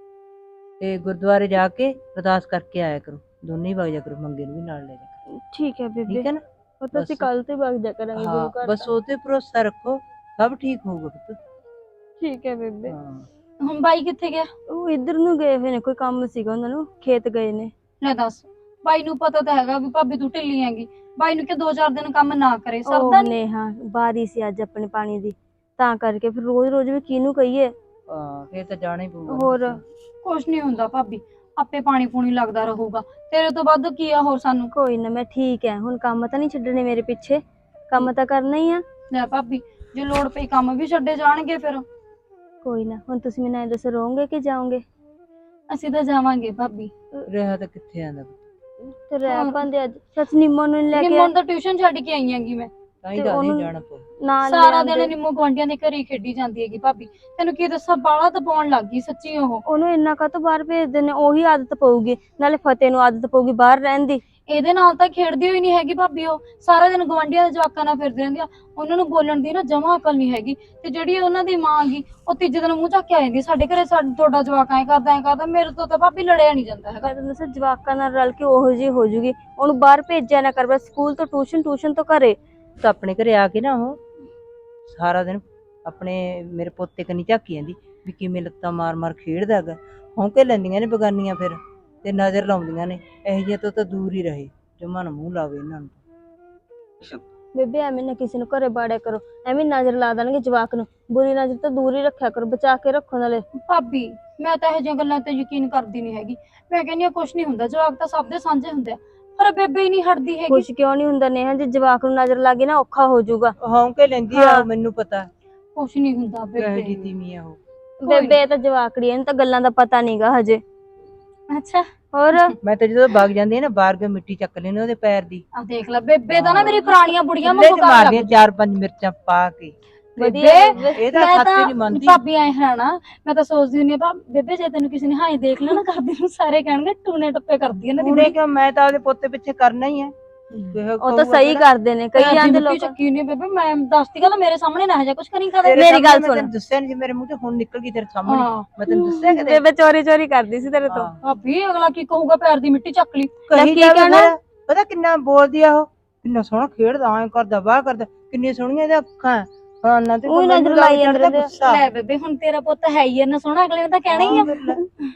S3: ਤੇ ਗੁਰਦੁਆਰੇ ਜਾ ਕੇ ਅਰਦਾਸ ਕਰਕੇ ਆਇਆ ਕਰੋ, ਦੋਨੇ ਹੀ ਵਗ ਜਾ ਕਰੋ, ਮੰਗੇ ਨੂੰ ਵੀ ਨਾਲ ਲੈ ਜਾ ਕਰੋ।
S5: ਠੀਕ ਹੈ ਬੇਬੇ,
S3: ਠੀਕ ਹੈ ਨਾ?
S5: ਉਹ ਤਾਂ ਅਸੀਂ
S3: ਬਸ।
S5: ਕੱਲ ਤੇ ਵਗ ਜਾ ਕਰਾਂਗੇ ਗੁਰੂ
S3: ਹਾਂ
S5: ਘਰ
S3: ਬਸ
S5: ਤਾਂ।
S3: ਉਹਤੇ ਭਰੋਸਾ ਰੱਖੋ, ਸਭ ਠੀਕ ਹੋਊਗਾ ਪੁੱਤ।
S5: ਠੀਕ ਹੈ ਬੇਬੇ।
S3: ਹਾਂ
S7: ਹੁਣ ਬਾਈ ਕਿੱਥੇ ਗਿਆ?
S5: ਉਹ ਇੱਧਰ ਨੂੰ ਗਏ ਹੋਏ ਨੇ, ਕੋਈ ਕੰਮ ਸੀਗਾ ਉਹਨਾਂ ਨੂੰ, ਖੇਤ ਗਏ ਨੇ।
S7: ਲੈ ਦੱਸ, ਬਾਈ ਨੂੰ ਪਤਾ ਤਾਂ ਹੈਗਾ ਵੀ ਭਾਬੀ ਤੂੰ ਢਿੱਲੀ ਹੈਗੀ, ਬਾਈ ਨੂੰ ਕਿ ਦੋ ਚਾਰ ਦਿਨ ਕੰਮ ਨਾ ਕਰੇ, ਸਰਦਾ
S5: ਉਹ
S7: ਨਹੀਂ।
S5: ਨੇਹਾ ਬਾਰੀ ਸੀ ਅੱਜ ਆਪਣੇ ਪਾਣੀ ਦੀ, ਤਾਂ ਕਰਕੇ ਫਿਰ ਰੋਜ਼ ਰੋਜ਼ ਵੀ ਕਿਹਨੂੰ ਕਹੀਏ।
S3: ਹਾਂ ਫੇਰ ਤਾਂ ਜਾਣਾ ਹੀ ਪਊਗਾ।
S5: ਹੋਰ
S7: ਕੁਛ ਨਹੀਂ ਹੁੰਦਾ ਭਾਬੀ, ਆਪੇ ਪਾਣੀ ਪੂਣੀ ਲੱਗਦਾ ਰਹੂਗਾ, ਤੇਰੇ ਤੋਂ ਵੱਧ ਕੀ ਆ ਹੋਰ ਸਾਨੂੰ।
S5: ਕੋਈ ਨਾ ਮੈਂ ਠੀਕ ਹੈ, ਹੁਣ ਕੰਮ ਤਾਂ ਨਹੀਂ ਛੱਡਣੇ ਮੇਰੇ ਪਿੱਛੇ, ਕੰਮ ਤਾਂ ਕਰਨਾ ਹੀ ਆ।
S7: ਲੈ ਭਾਬੀ, ਜੇ ਲੋੜ ਪਈ ਕੰਮ ਵੀ ਛੱਡੇ ਜਾਣਗੇ ਫਿਰ।
S5: ਕੋਈ ਨਾ, ਹੁਣ ਤੁਸੀਂ ਮੈਨੂੰ ਐਂ ਦੱਸੋ ਰਹੋਗੇ ਕਿ ਜਾਓਗੇ?
S7: ਅਸੀਂ ਤਾਂ ਜਾਵਾਂਗੇ ਭਾਬੀ।
S3: ਰਿਹਾ ਤਾਂ ਕਿੱਥੇ ਆਂਦਾ ਪੁੱਤ,
S5: ਤੇ ਰਹਿ ਪਾਂਦੇ ਅੱਜ ਸੱਚ ਨਿੰਮੋ ਨੂੰ ਨੀ ਲੈ ਕੇ
S7: ਨਿੰਮੋ ਤਾਂ ਟਿਊਸ਼ਨ ਛੱਡ ਕੇ ਆਈ ਹੈਗੀ ਮੈਂ।
S3: ਤਾਂ ਹੀ
S5: ਤੇ
S3: ਤਾਂ ਨਹੀਂ
S5: ਉਹਨੂੰ
S3: ਜਾਣਾ ਪਊ।
S5: ਨਾਲ
S7: ਸਾਰਾ
S5: ਲਿਆਂਦੇ।
S7: ਦਿਨ ਨਿੰਮੋ ਗੁਆਂਢੀਆਂ ਦੇ ਘਰੇ ਹੀ ਖੇਡੀ ਜਾਂਦੀ ਹੈਗੀ ਭਾਬੀ, ਤੈਨੂੰ ਕੀ ਦੱਸਾਂ ਬਾਲਾ ਦਬਾਉਣ ਲੱਗ ਗਈ ਸੱਚੀ ਉਹ।
S5: ਉਹਨੂੰ ਇੰਨਾ ਕਾਹਤੋਂ ਬਾਹਰ ਭੇਜਦੇ ਨੇ, ਉਹੀ ਆਦਤ ਪਊਗੀ, ਨਾਲੇ ਫਤਿਹ ਨੂੰ ਆਦਤ ਪਊਗੀ ਬਾਹਰ ਰਹਿਣ ਦੀ।
S7: ਇਹਦੇ ਨਾਲ ਤਾਂ ਖੇਡਦੀ ਹੋਈ ਨਹੀਂ ਹੈਗੀ ਭਾਬੀ, ਉਹ ਸਾਰਾ ਦਿਨ ਗੁਆਂਢੀਆਂ ਦੇ ਜਵਾਕਾਂ ਨਾਲ ਫਿਰਦੀ ਰਹਿੰਦੀ ਆ, ਉਹਨਾਂ ਨੂੰ ਬੋਲਣ ਦੀ ਨਾ ਜਮਾਂ ਅਕਲ ਨਹੀਂ ਹੈਗੀ। ਤੇ ਜਿਹੜੀ ਉਹਨਾਂ ਦੀ ਮਾਂ ਗੀ ਉਹ ਤੀਜੇ ਦਿਨ ਮੂੰਹ ਚੱਕ ਕੇ ਆ ਜਾਂਦੀ, ਸਾਡੇ ਘਰੇ ਸਾਡਾ ਤੁਹਾਡਾ ਜਵਾਕ ਐਂ ਕਰਦਾ ਐਂ ਕਰਦਾ, ਮੇਰੇ ਤੋਂ ਤਾਂ ਭਾਬੀ ਲੜਿਆ ਨਹੀਂ ਜਾਂਦਾ ਹੈਗਾ।
S5: ਮੈਂ ਤਾਂ ਦੱਸਿਆ ਜਵਾਕਾਂ ਨਾਲ ਰਲ ਕੇ ਉਹੋ ਜਿਹੀ ਹੋ ਜੂਗੀ, ਉਹਨੂੰ ਬਾਹਰ ਭੇਜਿਆ ਨਾ ਕਰ, ਬਸ ਸਕੂਲ ਤੋਂ ਟਿਊਸ਼ਨ, ਟਿਊਸ਼ਨ ਤੋਂ ਘਰੇ।
S3: ਤਾਂ ਆਪਣੇ ਘਰੇ ਆ ਕੇ ਨਾ ਉਹ ਸਾਰਾ ਦਿਨ ਆਪਣੇ ਮੇਰੇ ਪੋਤੇ ਕਨੀ ਝਾਕੀ ਜਾਂਦੀ ਵੀ ਕਿਵੇਂ ਲੱਤਾਂ ਮਾਰ ਮਾਰ ਖੇਡਦਾ ਹੈਗਾ, ਹੌਂਕੇ ਲੈਂਦੀਆਂ ਨੇ ਬਗਾਨੀਆਂ ਫਿਰ ਤੇ ਨਜ਼ਰ ਲਾਉਂਦੀਆਂ ਨੇ, ਇਹੋ ਜਿਹੀਆਂ ਤੋਂ ਤਾਂ ਦੂਰ ਹੀ ਰਹੇ, ਜਮਾ ਨਾ ਮੂੰਹ ਲਾਵੇ ਇਹਨਾਂ ਨੂੰ।
S5: ਬੇਬੇ ਐਵੇਂ ਨਾ ਕਿਸੇ ਨੂੰ ਘਰੇ ਬਾੜਿਆ ਕਰੋ, ਐਵੇਂ ਨਜ਼ਰ ਲਾ ਦੇਣਗੇ ਜਵਾਕ ਨੂੰ, ਬੁਰੀ ਨਜ਼ਰ ਤੋਂ ਦੂਰ ਹੀ ਰੱਖਿਆ ਕਰੋ, ਬਚਾ ਕੇ ਰੱਖੋ ਨਾਲੇ।
S7: ਭਾਬੀ ਮੈਂ ਤਾਂ ਇਹੋ ਜਿਹੀਆਂ ਗੱਲਾਂ ਤੇ ਯਕੀਨ ਕਰਦੀ ਨਹੀਂ ਹੈਗੀ, ਮੈਂ ਕਹਿੰਦੀ ਆ ਕੁਛ ਨਹੀਂ ਹੁੰਦਾ, ਜਵਾਕ ਤਾਂ ਸਭ ਦੇ ਸਾਂਝੇ ਹੁੰਦੇ ਆ, ਪਰ ਬੇਬੇ ਹੀ ਨਹੀਂ ਹਟਦੀ ਹੈਗੀ।
S5: ਕੁਛ ਕਿਉਂ ਨਹੀਂ ਹੁੰਦਾ ਨੇਹਾ, ਜੇ ਜਵਾਕ ਨੂੰ ਨਜ਼ਰ ਲੱਗੇ ਨਾ ਔਖਾ ਹੋ ਜਾਊਗਾ।
S3: ਹੌਂਕੇ ਲੈਂਦੀ ਆ
S5: ਹਾਂ।
S3: ਉਹ, ਮੈਨੂੰ ਪਤਾ
S7: ਕੁਛ ਨਹੀਂ ਹੁੰਦਾ
S3: ਕਿਹੋ
S7: ਬੇਬੇ।
S3: ਜਿਹੀ ਤੀਵੀਂ ਆ ਉਹ।
S5: ਬੇਬੇ ਇਹ ਤਾਂ ਜਵਾਕੜੀ, ਇਹਨੂੰ ਤਾਂ ਗੱਲਾਂ ਦਾ ਪਤਾ ਨਹੀਂਗਾ ਹਜੇ।
S7: ਅੱਛਾ
S5: ਹੋਰ
S3: ਮੈਂ ਤਾਂ ਜਦੋਂ ਵਗ ਜਾਂਦੀ ਆ ਨਾ ਬਾਹਰ ਕੇ ਮਿੱਟੀ ਚੱਕ ਲੈਣੀ ਉਹਦੇ ਪੈਰ ਦੀ,
S7: ਆ ਦੇਖ ਲੈ ਬੇਬੇ ਤਾਂ ਨਾ ਮੇਰੀ ਪੁਰਾਣੀਆਂ ਬੁੜੀਆਂ
S3: ਚੁੱਲ੍ਹੇ
S7: ਵਾਂਗੂ
S3: 'ਚ
S7: ਕਰਨ ਲੱਗ
S3: ਮਾਰਦੀਆਂ
S7: ਗਈ।
S3: ਚਾਰ ਪੰਜ ਮਿਰਚਾਂ ਪਾ ਕੇ।
S5: ਵਧੀਆ
S7: ਬੇਬੇ
S3: ਇਹ ਤਾਂ
S7: ਮੈਂ
S3: ਸੱਚ
S7: ਤਾਂ
S3: ਨਹੀਂ ਮੰਨਦੀ।
S7: ਭਾਬੀ ਐ ਹਰਾਣਾ, ਮੈਂ ਤਾਂ ਸੋਚਦੀ ਹੁੰਦੀ ਆ ਬੇਬੇ ਜੇ ਤੈਨੂੰ ਕਿਸੇ ਨੇ ਹਾਏ ਦੇਖ ਲਿਆ ਨਾ ਕਰਦੀ ਨੂੰ, ਸਾਰੇ ਕਹਿਣਗੇ ਟੂਨੇ ਟੱਪੇ ਕਰਦੀ ਇਹਨਾਂ ਦੀ
S3: ਪੂਰੇ ਕਿਉਂ, ਮੈਂ ਤਾਂ ਉਹਦੇ ਪੋਤੇ ਪਿੱਛੇ ਕਰਨਾ ਹੀ ਹੈ।
S5: ਉਹ ਤਾਂ ਸਹੀ ਕਰਦੇ ਨੇ, ਕਈ ਜਾਂਦੇ ਲੋਕ।
S7: ਚੱਕੀ ਨਹੀਂ ਬੇਬੇ, ਮੈਂ ਦੱਸਦੀ ਗੱਲ ਮੇਰੇ ਸਾਹਮਣੇ ਨਾ ਜਾ ਕੁਛ ਕਰੀ ਕਦੇ।
S5: ਮੇਰੀ ਗੱਲ ਸੁਣ।
S3: ਤੈਨੂੰ ਦੱਸਿਆ ਨਹੀਂ, ਮੇਰੇ ਮੂੰਹ ਤੇ ਹੁਣ ਨਿਕਲ ਗਈ ਤੇਰੇ ਸਾਹਮਣੇ,
S7: ਹਾਂ
S3: ਮੈਂ ਤੈਨੂੰ ਦੱਸਿਆ ਕਿਤੇ।
S5: ਬੇਬੇ ਚੋਰੀ ਚੋਰੀ ਕਰਦੀ ਸੀ ਤੇਰੇ ਤੋਂ।
S3: ਹਾਂ।
S7: ਭਾਬੀ ਅਗਲਾ ਕੀ ਕਹੂਗਾ, ਪੈਰ ਦੀ ਮਿੱਟੀ ਚੱਕ ਲਈ।
S3: ਕਹੀ
S5: ਕੀ
S3: ਜਾਵੇ
S5: ਕਹਿਣਾ?
S3: ਫਿਰ, ਪਤਾ ਕਿੰਨਾ ਬੋਲਦੀ ਆ ਉਹ, ਕਿੰਨਾ ਸੋਹਣਾ ਖੇਡਦਾ, ਐਂ ਕਰਦਾ ਵਾਹ ਕਰਦਾ, ਕਿੰਨੀਆਂ ਸੋਹਣੀਆਂ ਇਹਦੀਆਂ ਅੱਖਾਂ। ਹਾਂ ਨਾ ਤੇ
S5: ਉਹੀ
S3: ਮੈਨੂੰ
S5: ਨਜ਼ਰ
S3: ਲੱਗ
S5: ਲਾਈ
S3: ਜਾਂਦਾ
S5: ਜਾਂਦੇ ਆ।
S3: ਗੁੱਸਾ।
S7: ਲੈ ਬੇਬੇ ਹੁਣ ਤੇਰਾ ਪੁੱਤ ਹੈ ਹੀ ਇੰਨਾ ਸੋਹਣਾ, ਅਗਲੇ ਨੇ ਤਾਂ ਕਹਿਣਾ ਹੀ ਆ।
S3: ਹਾਂ, ਫਿਰ ਲੈ।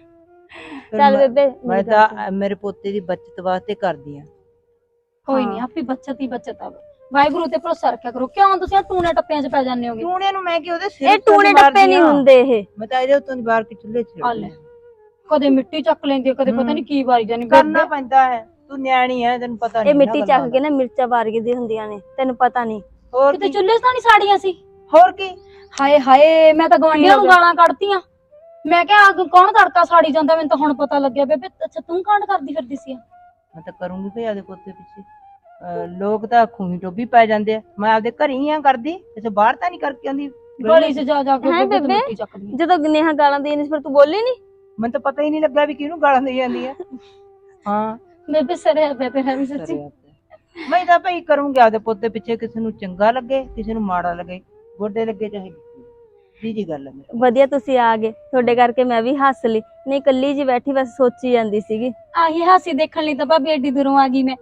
S3: ਫਿਰ
S5: ਚੱਲ
S3: ਮੈਂ-
S5: ਬੇਬੇ
S3: ਮੈਂ
S5: ਮੇਰੀ ਗੱਲ
S3: ਤਾਂ ਮੇਰੇ ਪੋਤੇ ਦੀ ਬੱਚਤ ਵਾਸਤੇ ਕਰਦੀ ਆ।
S7: ਕੋਈ ਨਹੀਂ, ਆਪੀ ਬੱਚਤ ਹੀ ਬੱਚਤ ਆ। ਵਾਹਿਗੁਰੂ ਤੇ ਭਰੋਸਾ ਰੱਖਿਆ ਕਰੋ, ਕਿਉਂ ਤੁਸੀਂ ਆਹ ਟੂਨੇ ਟੱਪਿਆਂ 'ਚ ਪੈ ਜਾਂਦੇ ਹੋਗੇ।
S3: ਟੂਣੇ ਨੂੰ ਮੈਂ ਕਿ ਉਹਦੇ ਸਿਰ
S5: ਇਹ
S3: ਉੱਤੋਂ
S5: ਟੂਣੇ
S3: ਦੀ
S5: ਟੱਪੇ ਨਹੀਂ
S3: ਮਾਰਦੀ ਆ।
S5: ਹੁੰਦੇ ਇਹ।
S3: ਮੈਂ ਤਾਂ ਇਹਦੇ ਉੱਤੋਂ ਦੀ ਬਾਹਰ ਕੇ ਚੁੱਲ੍ਹੇ 'ਚ
S7: ਆ ਲੈ, ਕਦੇ ਮਿੱਟੀ ਚੱਕ ਲੈਂਦੀ ਆ, ਕਦੇ ਪਤਾ ਨਹੀਂ ਕੀ ਵਾਰੀ ਜਾਨੀ।
S3: ਕਰਨਾ ਪੈਂਦਾ ਹੈ, ਤੂੰ ਨਿਆਣੀ ਹੈ, ਤੈਨੂੰ ਪਤਾ ਨਹੀਂ।
S5: ਇਹ ਮਿੱਟੀ ਚੱਕ ਕੇ ਨਾ ਮਿਰਚਾਂ ਵਾਰਗੀ ਦੀ ਹੁੰਦੀਆਂ ਨੇ, ਤੈਨੂੰ ਪਤਾ ਨਹੀਂ।
S3: ਹੋਰ
S7: ਕਿਤੇ
S3: ਕੀ,
S7: ਚੁੱਲ੍ਹੇ 'ਚ ਤਾਂ ਨਹੀਂ ਸਾੜੀਆਂ ਸੀ।
S3: ਹੋਰ ਕੀ।
S7: ਹਾਏ ਹਾਏ, ਮੈਂ ਤਾਂ ਗਵਾਂਢੀਆਂ ਨੂੰ
S5: ਹੋ ਗਿਆ?
S7: ਗਾਲਾਂ ਕੱਢਤੀਆਂ। ਮੈਂ ਕਿਹਾ ਅੱਗ ਕੌਣ ਤੜਕਾ ਸਾੜੀ ਜਾਂਦਾ, ਮੈਨੂੰ ਤਾਂ ਹੁਣ ਪਤਾ ਲੱਗਿਆ ਬੇਬੇ। ਅੱਛਾ ਤੂੰ ਕਾਂਡ ਕਰਦੀ ਫਿਰਦੀ ਸੀ।
S3: ਮੈਂ ਤਾਂ ਕਰੂੰਗੀ ਭਈ ਆਦੇ ਪੋਤੇ ਪਿੱਛੇ। ਅਹ ਲੋਕ ਤਾਂ ਖੂਹੀ ਟੋਬੀ ਪੈ ਜਾਂਦੇ ਆ, ਮੈਂ ਆਪਦੇ ਘਰ ਹੀ ਆ ਕਰਦੀ, ਇੱਥੇ ਬਾਹਰ ਤਾਂ ਨਹੀਂ ਕਰਕੇ ਆਉਂਦੀ।
S7: ਗਲੀ 'ਚ ਜਾ ਜਾ ਕੇ
S5: ਹੈਂ
S7: ਬੇਬੇ ਤੂੰ
S5: ਬੇਬੇ?
S7: ਮਿੱਟੀ ਚੱਕਦੀ।
S5: ਜਦੋਂ ਨੇਹਾ ਗਾਲਾਂ ਦੇਣੀ ਸੀ ਫਿਰ ਤੂੰ ਬੋਲੀ ਨਹੀਂ?
S3: ਮੈਨੂੰ ਤਾਂ ਪਤਾ ਹੀ ਨਹੀਂ ਲੱਗਾ ਵੀ ਕਿਹਨੂੰ ਗਾਲਾਂ ਦੇਈ ਜਾਂਦੀ ਆ। ਹਾਂ
S7: ਬੇਬੇ ਸਰੇ ਬੇਬੇ ਹੈ ਵੀ ਸੱਚੀ।
S3: ਸਰਿਆ ਪਿਆ। ਮੈਂ ਤਾਂ ਭਈ ਕਰੂੰਗੀ ਆਪਦੇ ਪੋਤੇ ਪਿੱਛੇ, ਕਿਸੇ ਨੂੰ ਚੰਗਾ ਲੱਗੇ ਕਿਸੇ ਨੂੰ ਮਾੜਾ ਲੱਗੇ, ਗੋਡੇ ਲੱਗੇ ਚਾਹੇ ਦੀ ਜੀ ਗੱਲ ਹੈ ਮੇਰੀ।
S5: ਵਧੀਆ ਤੁਸੀਂ ਆ ਗਏ, ਤੁਹਾਡੇ ਕਰਕੇ ਮੈਂ ਵੀ ਹੱਸ ਲਈ, ਨਹੀਂ ਇਕੱਲੀ ਜੀ ਬੈਠੀ ਬਸ ਸੋਚੀ ਜਾਂਦੀ ਸੀਗੀ।
S7: ਆਹੀ ਹਾਸੀ ਦੇਖਣ ਲਈ ਤਾਂ ਭਾਬੀ ਐਡੀ ਦੂਰੋਂ ਆ ਗਈ ਮੈਂ।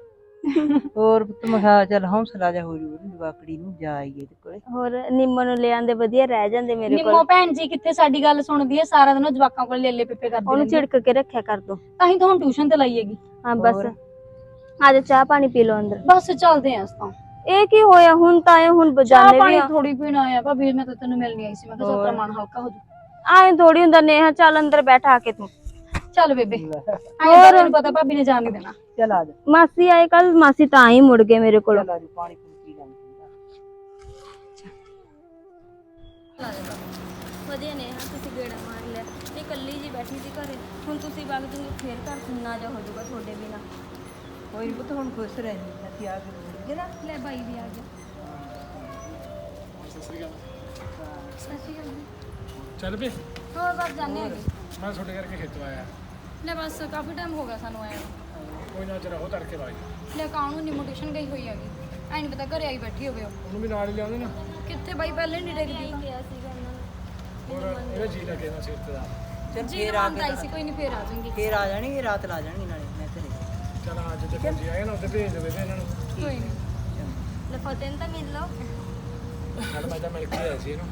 S3: ਹੋਰ ਪੁੱਤ ਮੈਂ ਕਿਹਾ ਚੱਲ ਹੌਸਲਾ ਜਾ ਹੋ ਜੂ ਜਵਾਕੜੀ ਨੂੰ, ਜਾ ਆਈਏ ਤੇ ਕੋਲੇ।
S5: ਹੋਰ ਨਿੰਮੋ ਨੂੰ ਲੈ ਆਂਦੇ, ਵਧੀਆ ਰਹਿ ਜਾਂਦੇ ਮੇਰੇ
S7: ਨਿੰਮੋ
S5: ਕੋਲ।
S7: ਭੈਣ ਜੀ ਕਿੱਥੇ ਸਾਡੀ ਗੱਲ ਸੁਣਦੀ ਹੈ, ਸਾਰਾ ਦਿਨ ਉਹ ਜਵਾਕਾਂ ਕੋਲ ਲੇਲੇ ਪਿੱਪੇ ਕਰਦੀ
S5: ਉਹਨੂੰ
S7: ਰਹਿੰਦੀ ਹੈ।
S5: ਝਿੜਕ ਕੇ ਰੱਖਿਆ ਕਰ ਦੋ।
S7: ਤਾਂ ਹੀ ਤਾਂ ਹੁਣ ਟਿਊਸ਼ਨ ਤੇ ਲਾਈ ਹੈਗੀ।
S5: ਹਾਂ ਬਸ
S3: ਹੋਰ?
S5: ਆ ਜਾ ਚਾਹ ਪਾਣੀ ਪੀ ਲਓ ਅੰਦਰ।
S7: ਬਸ ਚੱਲਦੇ ਆਂ ਅਸੀਂ ਤਾਂ।
S2: ਇਹ ਕੀ ਹੋਇਆ ਹੁਣ ਤਾਂ ਇਹ ਹੁਣ
S7: ਚਾਹ
S2: ਬਜਾਨੇ ਵੀ
S7: ਪਾਣੀ
S2: ਆ
S7: ਥੋੜੀ ਪੀਣਾ ਆਇਆ ਭਾਬੀ ਮੈਂ ਤਾਂ ਤੈਨੂੰ ਮਿਲਣੀ ਆਈ ਸੀ ਮੈਂ ਕਿਹਾ ਚੱਲ ਤੇਰਾ ਮਨ ਹਲਕਾ ਹੋ ਜੂ
S2: ਆਏ ਥੋੜੀ ਹੁੰਦਾ ਨੇਹਾ ਚੱਲ ਅੰਦਰ ਬੈਠਾ ਕੇ ਤੂੰ
S7: ਚੱਲ ਬੇਬੇ ਹੋਰ ਤੈਨੂੰ ਪਤਾ ਭਾਬੀ ਨੇ ਜਾਣ ਨਹੀਂ ਦੇਣਾ
S3: ਚਲ ਆ ਜਾ
S2: ਮਾਸੀ ਆਏ ਕੱਲ ਮਾਸੀ ਤਾਂ ਹੀ ਮੁੜ ਗਏ ਮੇਰੇ ਕੋਲ
S3: ਚਲ ਆ ਜਾ ਪਾਣੀ ਪੀ ਪੀ ਜਾਂਦੇ
S2: ਵਧੀਆ ਨੇ ਹਾਂ ਤੁਸੀਂ ਗੇੜਾ ਮਾਰ ਲਿਆ ਤੇ ਕੱਲੀ ਜੀ ਬੈਠੀ ਸੀ ਘਰੇ ਹੁਣ ਤੁਸੀਂ ਵਗ ਜੂਗੇ ਫੇਰ ਘਰ ਸੁਣਨਾ ਜਾ ਹੋ ਜਾਊਗਾ ਤੁਹਾਡੇ ਬਿਨਾ
S3: ਕੋਈ ਨਹੀਂ ਪੁੱਤ ਹੁਣ ਖੁਸ਼ ਰਹਿਣੀ ਅਸੀਂ ਆ ਕੇ ਮਿਲ ਨਾ
S2: ਲੈ ਬਾਈ ਵੀ ਆ ਗਿਆ
S1: ਚੱਲ ਵੀ
S7: ਹੋਰ ਬਾਅਦ ਜਾਣੇ ਹੈਗੇ
S1: ਮੈਂ ਤੁਹਾਡੇ ਕਰਕੇ ਖੇਤੋਂ ਆਇਆ
S7: ਲੈ ਬਸ ਕਾਫੀ ਟਾਈਮ ਹੋ ਗਿਆ ਸਾਨੂੰ ਆਇਆ
S1: ਕੋਈ ਨਾ ਚਰਾ ਹੋ ਤੜਕੇ ਬਾਈ
S7: ਲੈ ਕਾਨੂੰ ਨਿਮੋਟੇਸ਼ਨ ਗਈ ਹੋਈ ਹੈਗੀ ਐ ਨਹੀਂ ਪਤਾ ਘਰੇ ਆਈ ਬੈਠੀ ਹੋਵੇ ਉਹ
S1: ਉਹਨੂੰ ਵੀ ਨਾਲ ਹੀ ਲਿਆਉਂਦੇ ਨਾ
S7: ਕਿੱਥੇ ਬਾਈ ਪਹਿਲੇ ਨਹੀਂ ਡਿੱਗਦੀ
S2: ਕਿਹਾ ਸੀਗਾ ਉਹਨਾਂ ਨੂੰ
S1: ਹੋਰ ਇਹਦਾ ਜੀ ਲੱਗੇ ਨਾ ਸਿਰ ਤੇ ਦਾ
S3: ਚਲ
S7: ਜੀ
S3: ਫੇਰ ਆ
S7: ਆਉਂਦਾ ਆਈ ਸੀ ਕੋਈ ਨਹੀਂ ਫੇਰ ਆ ਜਾਊਂਗੀ
S3: ਫੇਰ ਆ ਜਾਣਗੇ ਰਾਤ ਲਾ ਜਾਣਗੇ ਨਾਲੇ ਮੈਂ ਘਰੇ
S1: ਚਲ ਅੱਜ ਤੇ ਭੱਜੀ ਆਏ ਨਾ ਉੱਤੇ ਭੇਜ ਦੇਵੇ ਤੇ ਇਹਨਾਂ ਨੂੰ
S7: ਕੋਈ ਨਹੀਂ
S2: ਲੈ ਫਤਿਹ ਨੂੰ ਤਾਂ ਮਿਲ ਲਓ
S1: ਚੱਲ ਮੈਂ ਤਾਂ ਮਿਲ ਕੇ ਆਇਆ ਸੀ ਇਹਨੂੰ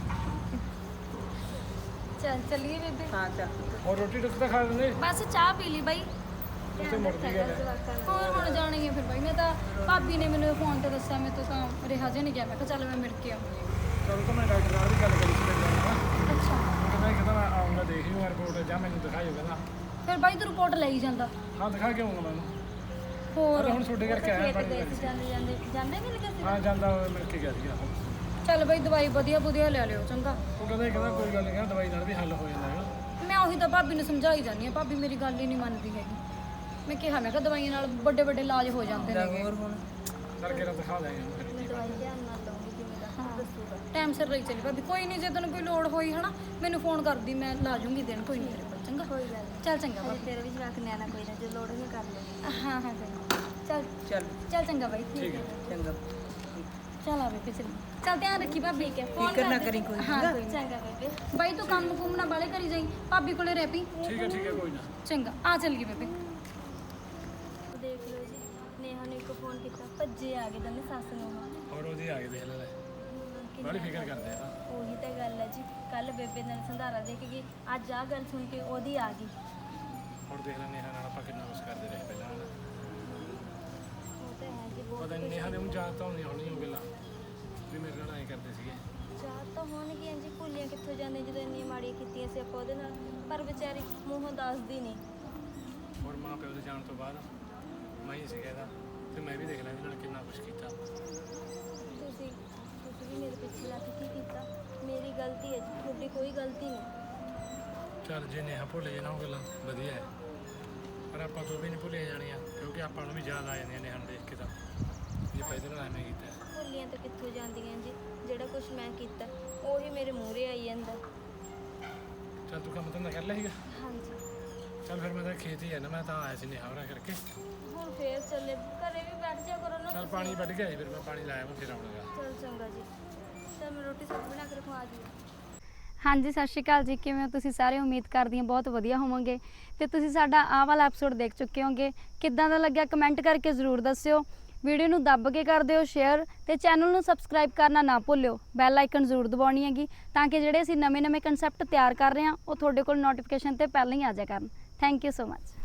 S7: ਚੱਲ ਚੱਲੀਏ ਬੇਬੇ
S3: ਹਾਂ ਚੱਲ
S1: ਹੋਰ ਰੋਟੀ ਟੁੱਕ ਤਾਂ ਖਾ ਲੈਂਦੇ
S7: ਬਸ ਚਾਹ ਪੀ ਲਈ ਬਾਈ
S1: ਉੱਥੇ ਮੁੜਦੀ ਗੱਲ ਹੈ
S7: ਹੋਰ ਹੁਣ ਜਾਣੀ ਹੈ ਫਿਰ ਬਾਈ ਮੈਂ ਤਾਂ ਭਾਬੀ ਨੇ ਮੈਨੂੰ ਫੋਨ ਤੇ ਦੱਸਿਆ ਮੈਂ ਤਾਂ ਤਾਂ ਰਿਹਾ ਜੇ ਨਹੀਂ ਗਿਆ ਮੈਂ ਕਿਹਾ ਚੱਲ ਮੈਂ ਮਿਲ ਕੇ ਆਉਂਗੀ
S1: ਚਲ ਤਾਂ ਮੈਂ ਡਾਕਟਰ ਨਾਲ ਵੀ ਗੱਲ ਕਰੀ ਸੀ ਮੇਰੇ ਨਾਲ
S7: ਅੱਛਾ
S1: ਕਹਿੰਦਾ ਕਹਿੰਦਾ ਮੈਂ ਆਉਂਗਾ ਦੇਖ ਲਈ ਰਿਪੋਰਟ ਜਾਂ ਮੈਨੂੰ ਦਿਖਾਇਓ ਕਹਿੰਦਾ
S7: ਫਿਰ ਬਾਈ ਤੂੰ ਰਿਪੋਰਟ ਲਈ ਜਾਂਦਾ
S1: ਹਾਂ ਦਿਖਾ ਕੇ ਆਉਂਗਾ ਮੈਨੂੰ
S7: ਹੋਰ
S1: ਹੁਣ ਤੁਹਾਡੇ ਕਰਕੇ ਆਇਆ ਬੜੀ
S2: ਗਏ ਸੀ ਜਾਂਦੇ ਜਾਂਦੇ ਜਾਂਦੇ ਮਿਲ ਗਏ ਸੀ
S1: ਹਾਂ ਜਾਂਦਾ ਹੋਇਆ ਮਿਲ ਕੇ ਗਿਆ ਸੀਗਾ
S7: ਚੱਲ ਬਾਈ ਦਵਾਈ ਵਧੀਆ ਵਧੀਆ ਲੈ ਲਿਓ ਚੰਗਾ
S1: ਉਹ ਕਹਿੰਦਾ ਇਹ ਕਹਿੰਦਾ ਕੋਈ ਗੱਲ ਨਹੀਂ ਕਹਿੰਦਾ ਦਵਾਈ ਨਾਲ ਵੀ ਹੱਲ ਹੋ ਜਾਂਦਾ ਹੈਗਾ
S7: ਮੈਂ ਉਹੀ ਤਾਂ ਭਾਬੀ ਨੂੰ ਸਮਝਾਈ ਜਾਂਦੀ ਆ ਭਾਬੀ ਮੇਰੀ ਗੱਲ ਹੀ ਨਹੀਂ ਮੰਨਦੀ ਹੈਗੀ ਮੈਂ ਕਿਹਾ ਮੈਂ ਕਿਹਾ ਦਵਾਈਆਂ ਨਾਲ ਵੱਡੇ ਵੱਡੇ ਇਲਾਜ ਹੋ ਜਾਂਦੇ ਨੇ
S3: ਹੋਰ ਹੁਣ
S1: ਕਰਕੇ ਤਾਂ ਦਿਖਾ ਦਾਂਗੇ ਉਹਨੂੰ ਫਿਰ।
S2: ਮੈਂ ਦਵਾਈ ਧਿਆਨ ਨਾਲ ਲਵਾਂਗੀ ਜਿਵੇਂ ਦਾ ਦੱਸੂਗਾ
S7: ਟਾਈਮ ਸਿਰ ਲਈ ਚੱਲੀ ਭਾਬੀ ਕੋਈ ਨਹੀਂ ਜੇ ਤੈਨੂੰ ਕੋਈ ਲੋੜ ਹੋਈ ਹਨਾ ਮੈਨੂੰ ਫੋਨ ਕਰਦੀ ਮੈਂ ਲਾ ਜੂੰਗੀ ਦੇਣ ਕੋਈ ਨਹੀਂ ਤੇਰੇ ਕੋਲ ਚੰਗਾ
S2: ਕੋਈ ਗੱਲ ਨਹੀਂ
S7: ਚੱਲ ਚੰਗਾ
S2: ਹਜੇ
S7: ਭਾਬੀ
S2: ਤੇਰੇ ਵੀ ਜਵਾਕ ਨਿਆਣਾ ਕੋਈ ਨਾ ਜੇ ਲੋੜ ਨਹੀਂ ਕਰ ਲਓ
S7: ਹਾਂ ਹਾਂ ਚੰਗਾ ਚੱਲ
S3: ਚੱਲ
S7: ਚੱਲ ਚੰਗਾ ਬਾਈ
S1: ਠੀਕ ਹੈ
S3: ਚੰਗਾ
S7: ਚੱਲ ਆਵੇ ਫਿਰ ਚੱਲੀ ਚੱਲ ਧਿਆਨ ਰੱਖੀ ਭਾਬੀ
S2: ਠੀਕ ਹੈ
S3: ਫਿਕਰ ਨਾ ਕਰੀ ਕੋਈ
S7: ਹਾਂ
S3: ਚੰਗਾ
S7: ਕੋਈ ਨੀ।
S2: ਚੰਗਾ ਬੇਬੇ
S7: ਬਾਈ ਤੂੰ ਕੰਮ ਕੁੰਮ ਨਾ ਬਾਲੇ ਕਰੀ ਜਾਈ ਭਾਬੀ ਕੋਲੇ ਰਹਿ ਪਈ
S1: ਠੀਕ ਹੈ ਠੀਕ ਹੈ ਕੋਈ ਨਾ
S7: ਚੰਗਾ ਆ ਚੱਲ ਗਈ ਬੇਬੇ
S2: ਦੇਖ ਲਓ ਜੀ ਨੇਹਾ ਨੇ ਇੱਕ ਫੋਨ ਕੀਤਾ ਭੱਜੇ ਆ ਗਏ ਦੋਨੇ ਸੱਸ ਨੂੰ
S1: ਹੋਰ ਉਹਦੀ ਆ ਗਏ ਦੇਖ ਲੈ ਲੈ ਬੜੀ ਫਿਕਰ ਕਰਦੇ ਆ ਨਾ
S2: ਉਹੀ ਤਾਂ ਗੱਲ ਹੈ ਜੀ ਕੱਲ ਬੇਬੇ ਨਾਲ ਸੰਧਾਰਾ ਦੇ ਕੇ ਗਈ ਅੱਜ ਆ ਗੱਲ ਸੁਣ ਕੇ ਉਹਦੀ ਆ ਗਈ
S1: ਹੁਣ ਦੇਖ ਲੈ ਨੇਹਾ ਨਾਲ ਆਪਾਂ ਕਿੰਨਾ ਕੁਛ ਕਰਦੇ ਰਹੇ ਪਹਿਲਾਂ ਹਨਾ।
S2: ਉਹ ਤਾਂ ਹੈ ਜੀ ਬਹੁਤ
S1: ਪਤਾ ਨਹੀਂ ਨੇਹਾ ਦੇ ਨੂੰ ਯਾਦ ਤਾਂ ਹੋਣੀ ਹੋਣੀ ਉਹ ਗੱਲਾਂ ਵੀ ਮੇਰੇ ਨਾਲ ਐਂ ਕਰਦੇ ਸੀਗੇ
S2: ਚਾਹ ਤਾਂ ਹੋਣਗੀਆਂ ਜੀ ਭੁੱਲੀਆਂ ਕਿੱਥੋਂ ਜਾਂਦੇ ਜਦੋਂ ਇੰਨੀਆਂ ਮਾੜੀਆਂ ਕੀਤੀਆਂ ਸੀ ਆਪਾਂ ਉਹਦੇ ਨਾਲ ਪਰ ਵਿਚਾਰੀ ਮੂੰਹੋਂ ਦੱਸਦੀ ਨਹੀਂ
S1: ਹੋਰ ਮਾਂ ਪਿਓ ਦੇ ਜਾਣ ਤੋਂ ਬਾਅਦ ਮੈਂ ਹੀ ਸੀਗਾ ਇਹਦਾ ਤੇ ਮੈਂ ਵੀ ਦੇਖ ਲਿਆ ਇਹਦੇ ਨਾਲ ਕਿੰਨਾ ਕੁਛ ਕੀਤਾ
S2: ਤੁਸੀਂ ਤੁਸੀਂ ਵੀ ਮੇਰੇ ਪਿੱਛੇ ਲੱਗ ਕੇ ਕੀ ਕੀਤਾ ਮੇਰੀ ਗਲਤੀ ਹੈ ਜੀ ਤੁਹਾਡੀ ਕੋਈ ਗਲਤੀ ਨਹੀਂ
S1: ਚੱਲ ਜੇ ਨੇਹਾ ਭੁੱਲ ਜੇ ਨਾ ਉਹ ਗੱਲਾਂ ਵਧੀਆ ਹੈ ਪਰ ਆਪਾਂ ਤੋਂ ਵੀ ਨਹੀਂ ਭੁੱਲੀਆਂ ਜਾਣੀਆਂ ਕਿਉਂਕਿ ਆਪਾਂ ਨੂੰ ਵੀ ਯਾਦ ਆ ਜਾਂਦੀਆਂ ਨੇਹਾ ਨੂੰ ਦੇਖ ਕੇ ਤਾਂ ਜੇ ਪਹਿਲੇ ਨਾਲ ਐਵੇਂ ਕੀਤਾ
S2: ਭੁੱਲੀਆਂ ਤਾਂ ਕਿੱਥੋਂ ਜਾਂਦੀਆਂ ਜੀ ਜਿਹੜਾ ਕੁਝ ਮੈਂ ਕੀਤਾ ਉਹੀ ਮੇਰੇ ਮੂਹਰੇ ਆਈ ਜਾਂਦਾ
S1: ਚੱਲ ਤੂੰ ਕੰਮ ਧੰਦਾ ਕਰ ਲਿਆ ਸੀਗਾ
S2: ਹਾਂਜੀ
S1: ਚੱਲ ਫਿਰ ਮੈਂ ਤਾਂ ਖੇਤ ਹੀ ਆ ਨਾ ਮੈਂ ਤਾਂ ਆਇਆ ਸੀ ਨੇਹਾ ਹੋਰਾਂ ਕਰਕੇ
S2: ਹੁਣ ਫੇਰ ਚੱਲੇ ਘਰੇ ਵੀ ਬੈਠ ਜਾ ਕਰੋ ਨਾ
S1: ਚੱਲ ਪਾਣੀ ਵੱਢ ਗਿਆ ਸੀ ਫਿਰ ਮੈਂ ਪਾਣੀ ਲਾਇਆ ਮੈਂ ਫਿਰ ਆਉਣਾਗਾ
S2: ਚਲ ਚੰਗਾ ਜੀ ਤਾਂ ਮੈਂ ਰੋਟੀ ਸਬਜ਼ੀ ਬਣਾ ਕੇ ਰਖਵਾ ਜੀ
S7: ਹਾਂਜੀ ਸਤਿ ਸ਼੍ਰੀ ਅਕਾਲ ਜੀ ਕਿਵੇਂ ਹੋ ਤੁਸੀਂ ਸਾਰੇ ਉਮੀਦ ਕਰਦੀ ਹਾਂ ਬਹੁਤ ਵਧੀਆ ਹੋਵੋਗੇ ਤੇ ਤੁਸੀਂ ਸਾਡਾ ਆਹ ਵਾਲਾ ਐਪੀਸੋਡ ਦੇਖ ਚੁੱਕੇ ਹੋਗੇ ਕਿੱਦਾਂ ਦਾ ਲੱਗਿਆ ਕਮੈਂਟ ਕਰਕੇ ਜ਼ਰੂਰ ਦੱਸਿਓ ਵੀਡੀਓ ਨੂੰ ਦੱਬ ਕੇ ਕਰ ਦਿਓ ਸ਼ੇਅਰ ਤੇ ਚੈਨਲ ਨੂੰ ਸਬਸਕ੍ਰਾਈਬ ਕਰਨਾ ਨਾ ਭੁੱਲਿਓ ਬੈਲ ਆਈਕਨ ਜ਼ਰੂਰ ਦਬਾਉਣੀ ਹੈਗੀ ਤਾਂ ਕਿ ਜਿਹੜੇ ਅਸੀਂ ਨਵੇਂ-ਨਵੇਂ ਕਨਸੈਪਟ ਤਿਆਰ ਕਰ ਰਹੇ ਹਾਂ ਉਹ ਤੁਹਾਡੇ ਕੋਲ ਨੋਟੀਫਿਕੇਸ਼ਨ ਤੇ ਪਹਿਲਾਂ ਹੀ ਆ ਜਾਇਆ ਕਰਨ ਥੈਂਕ ਯੂ ਸੋ ਮਚ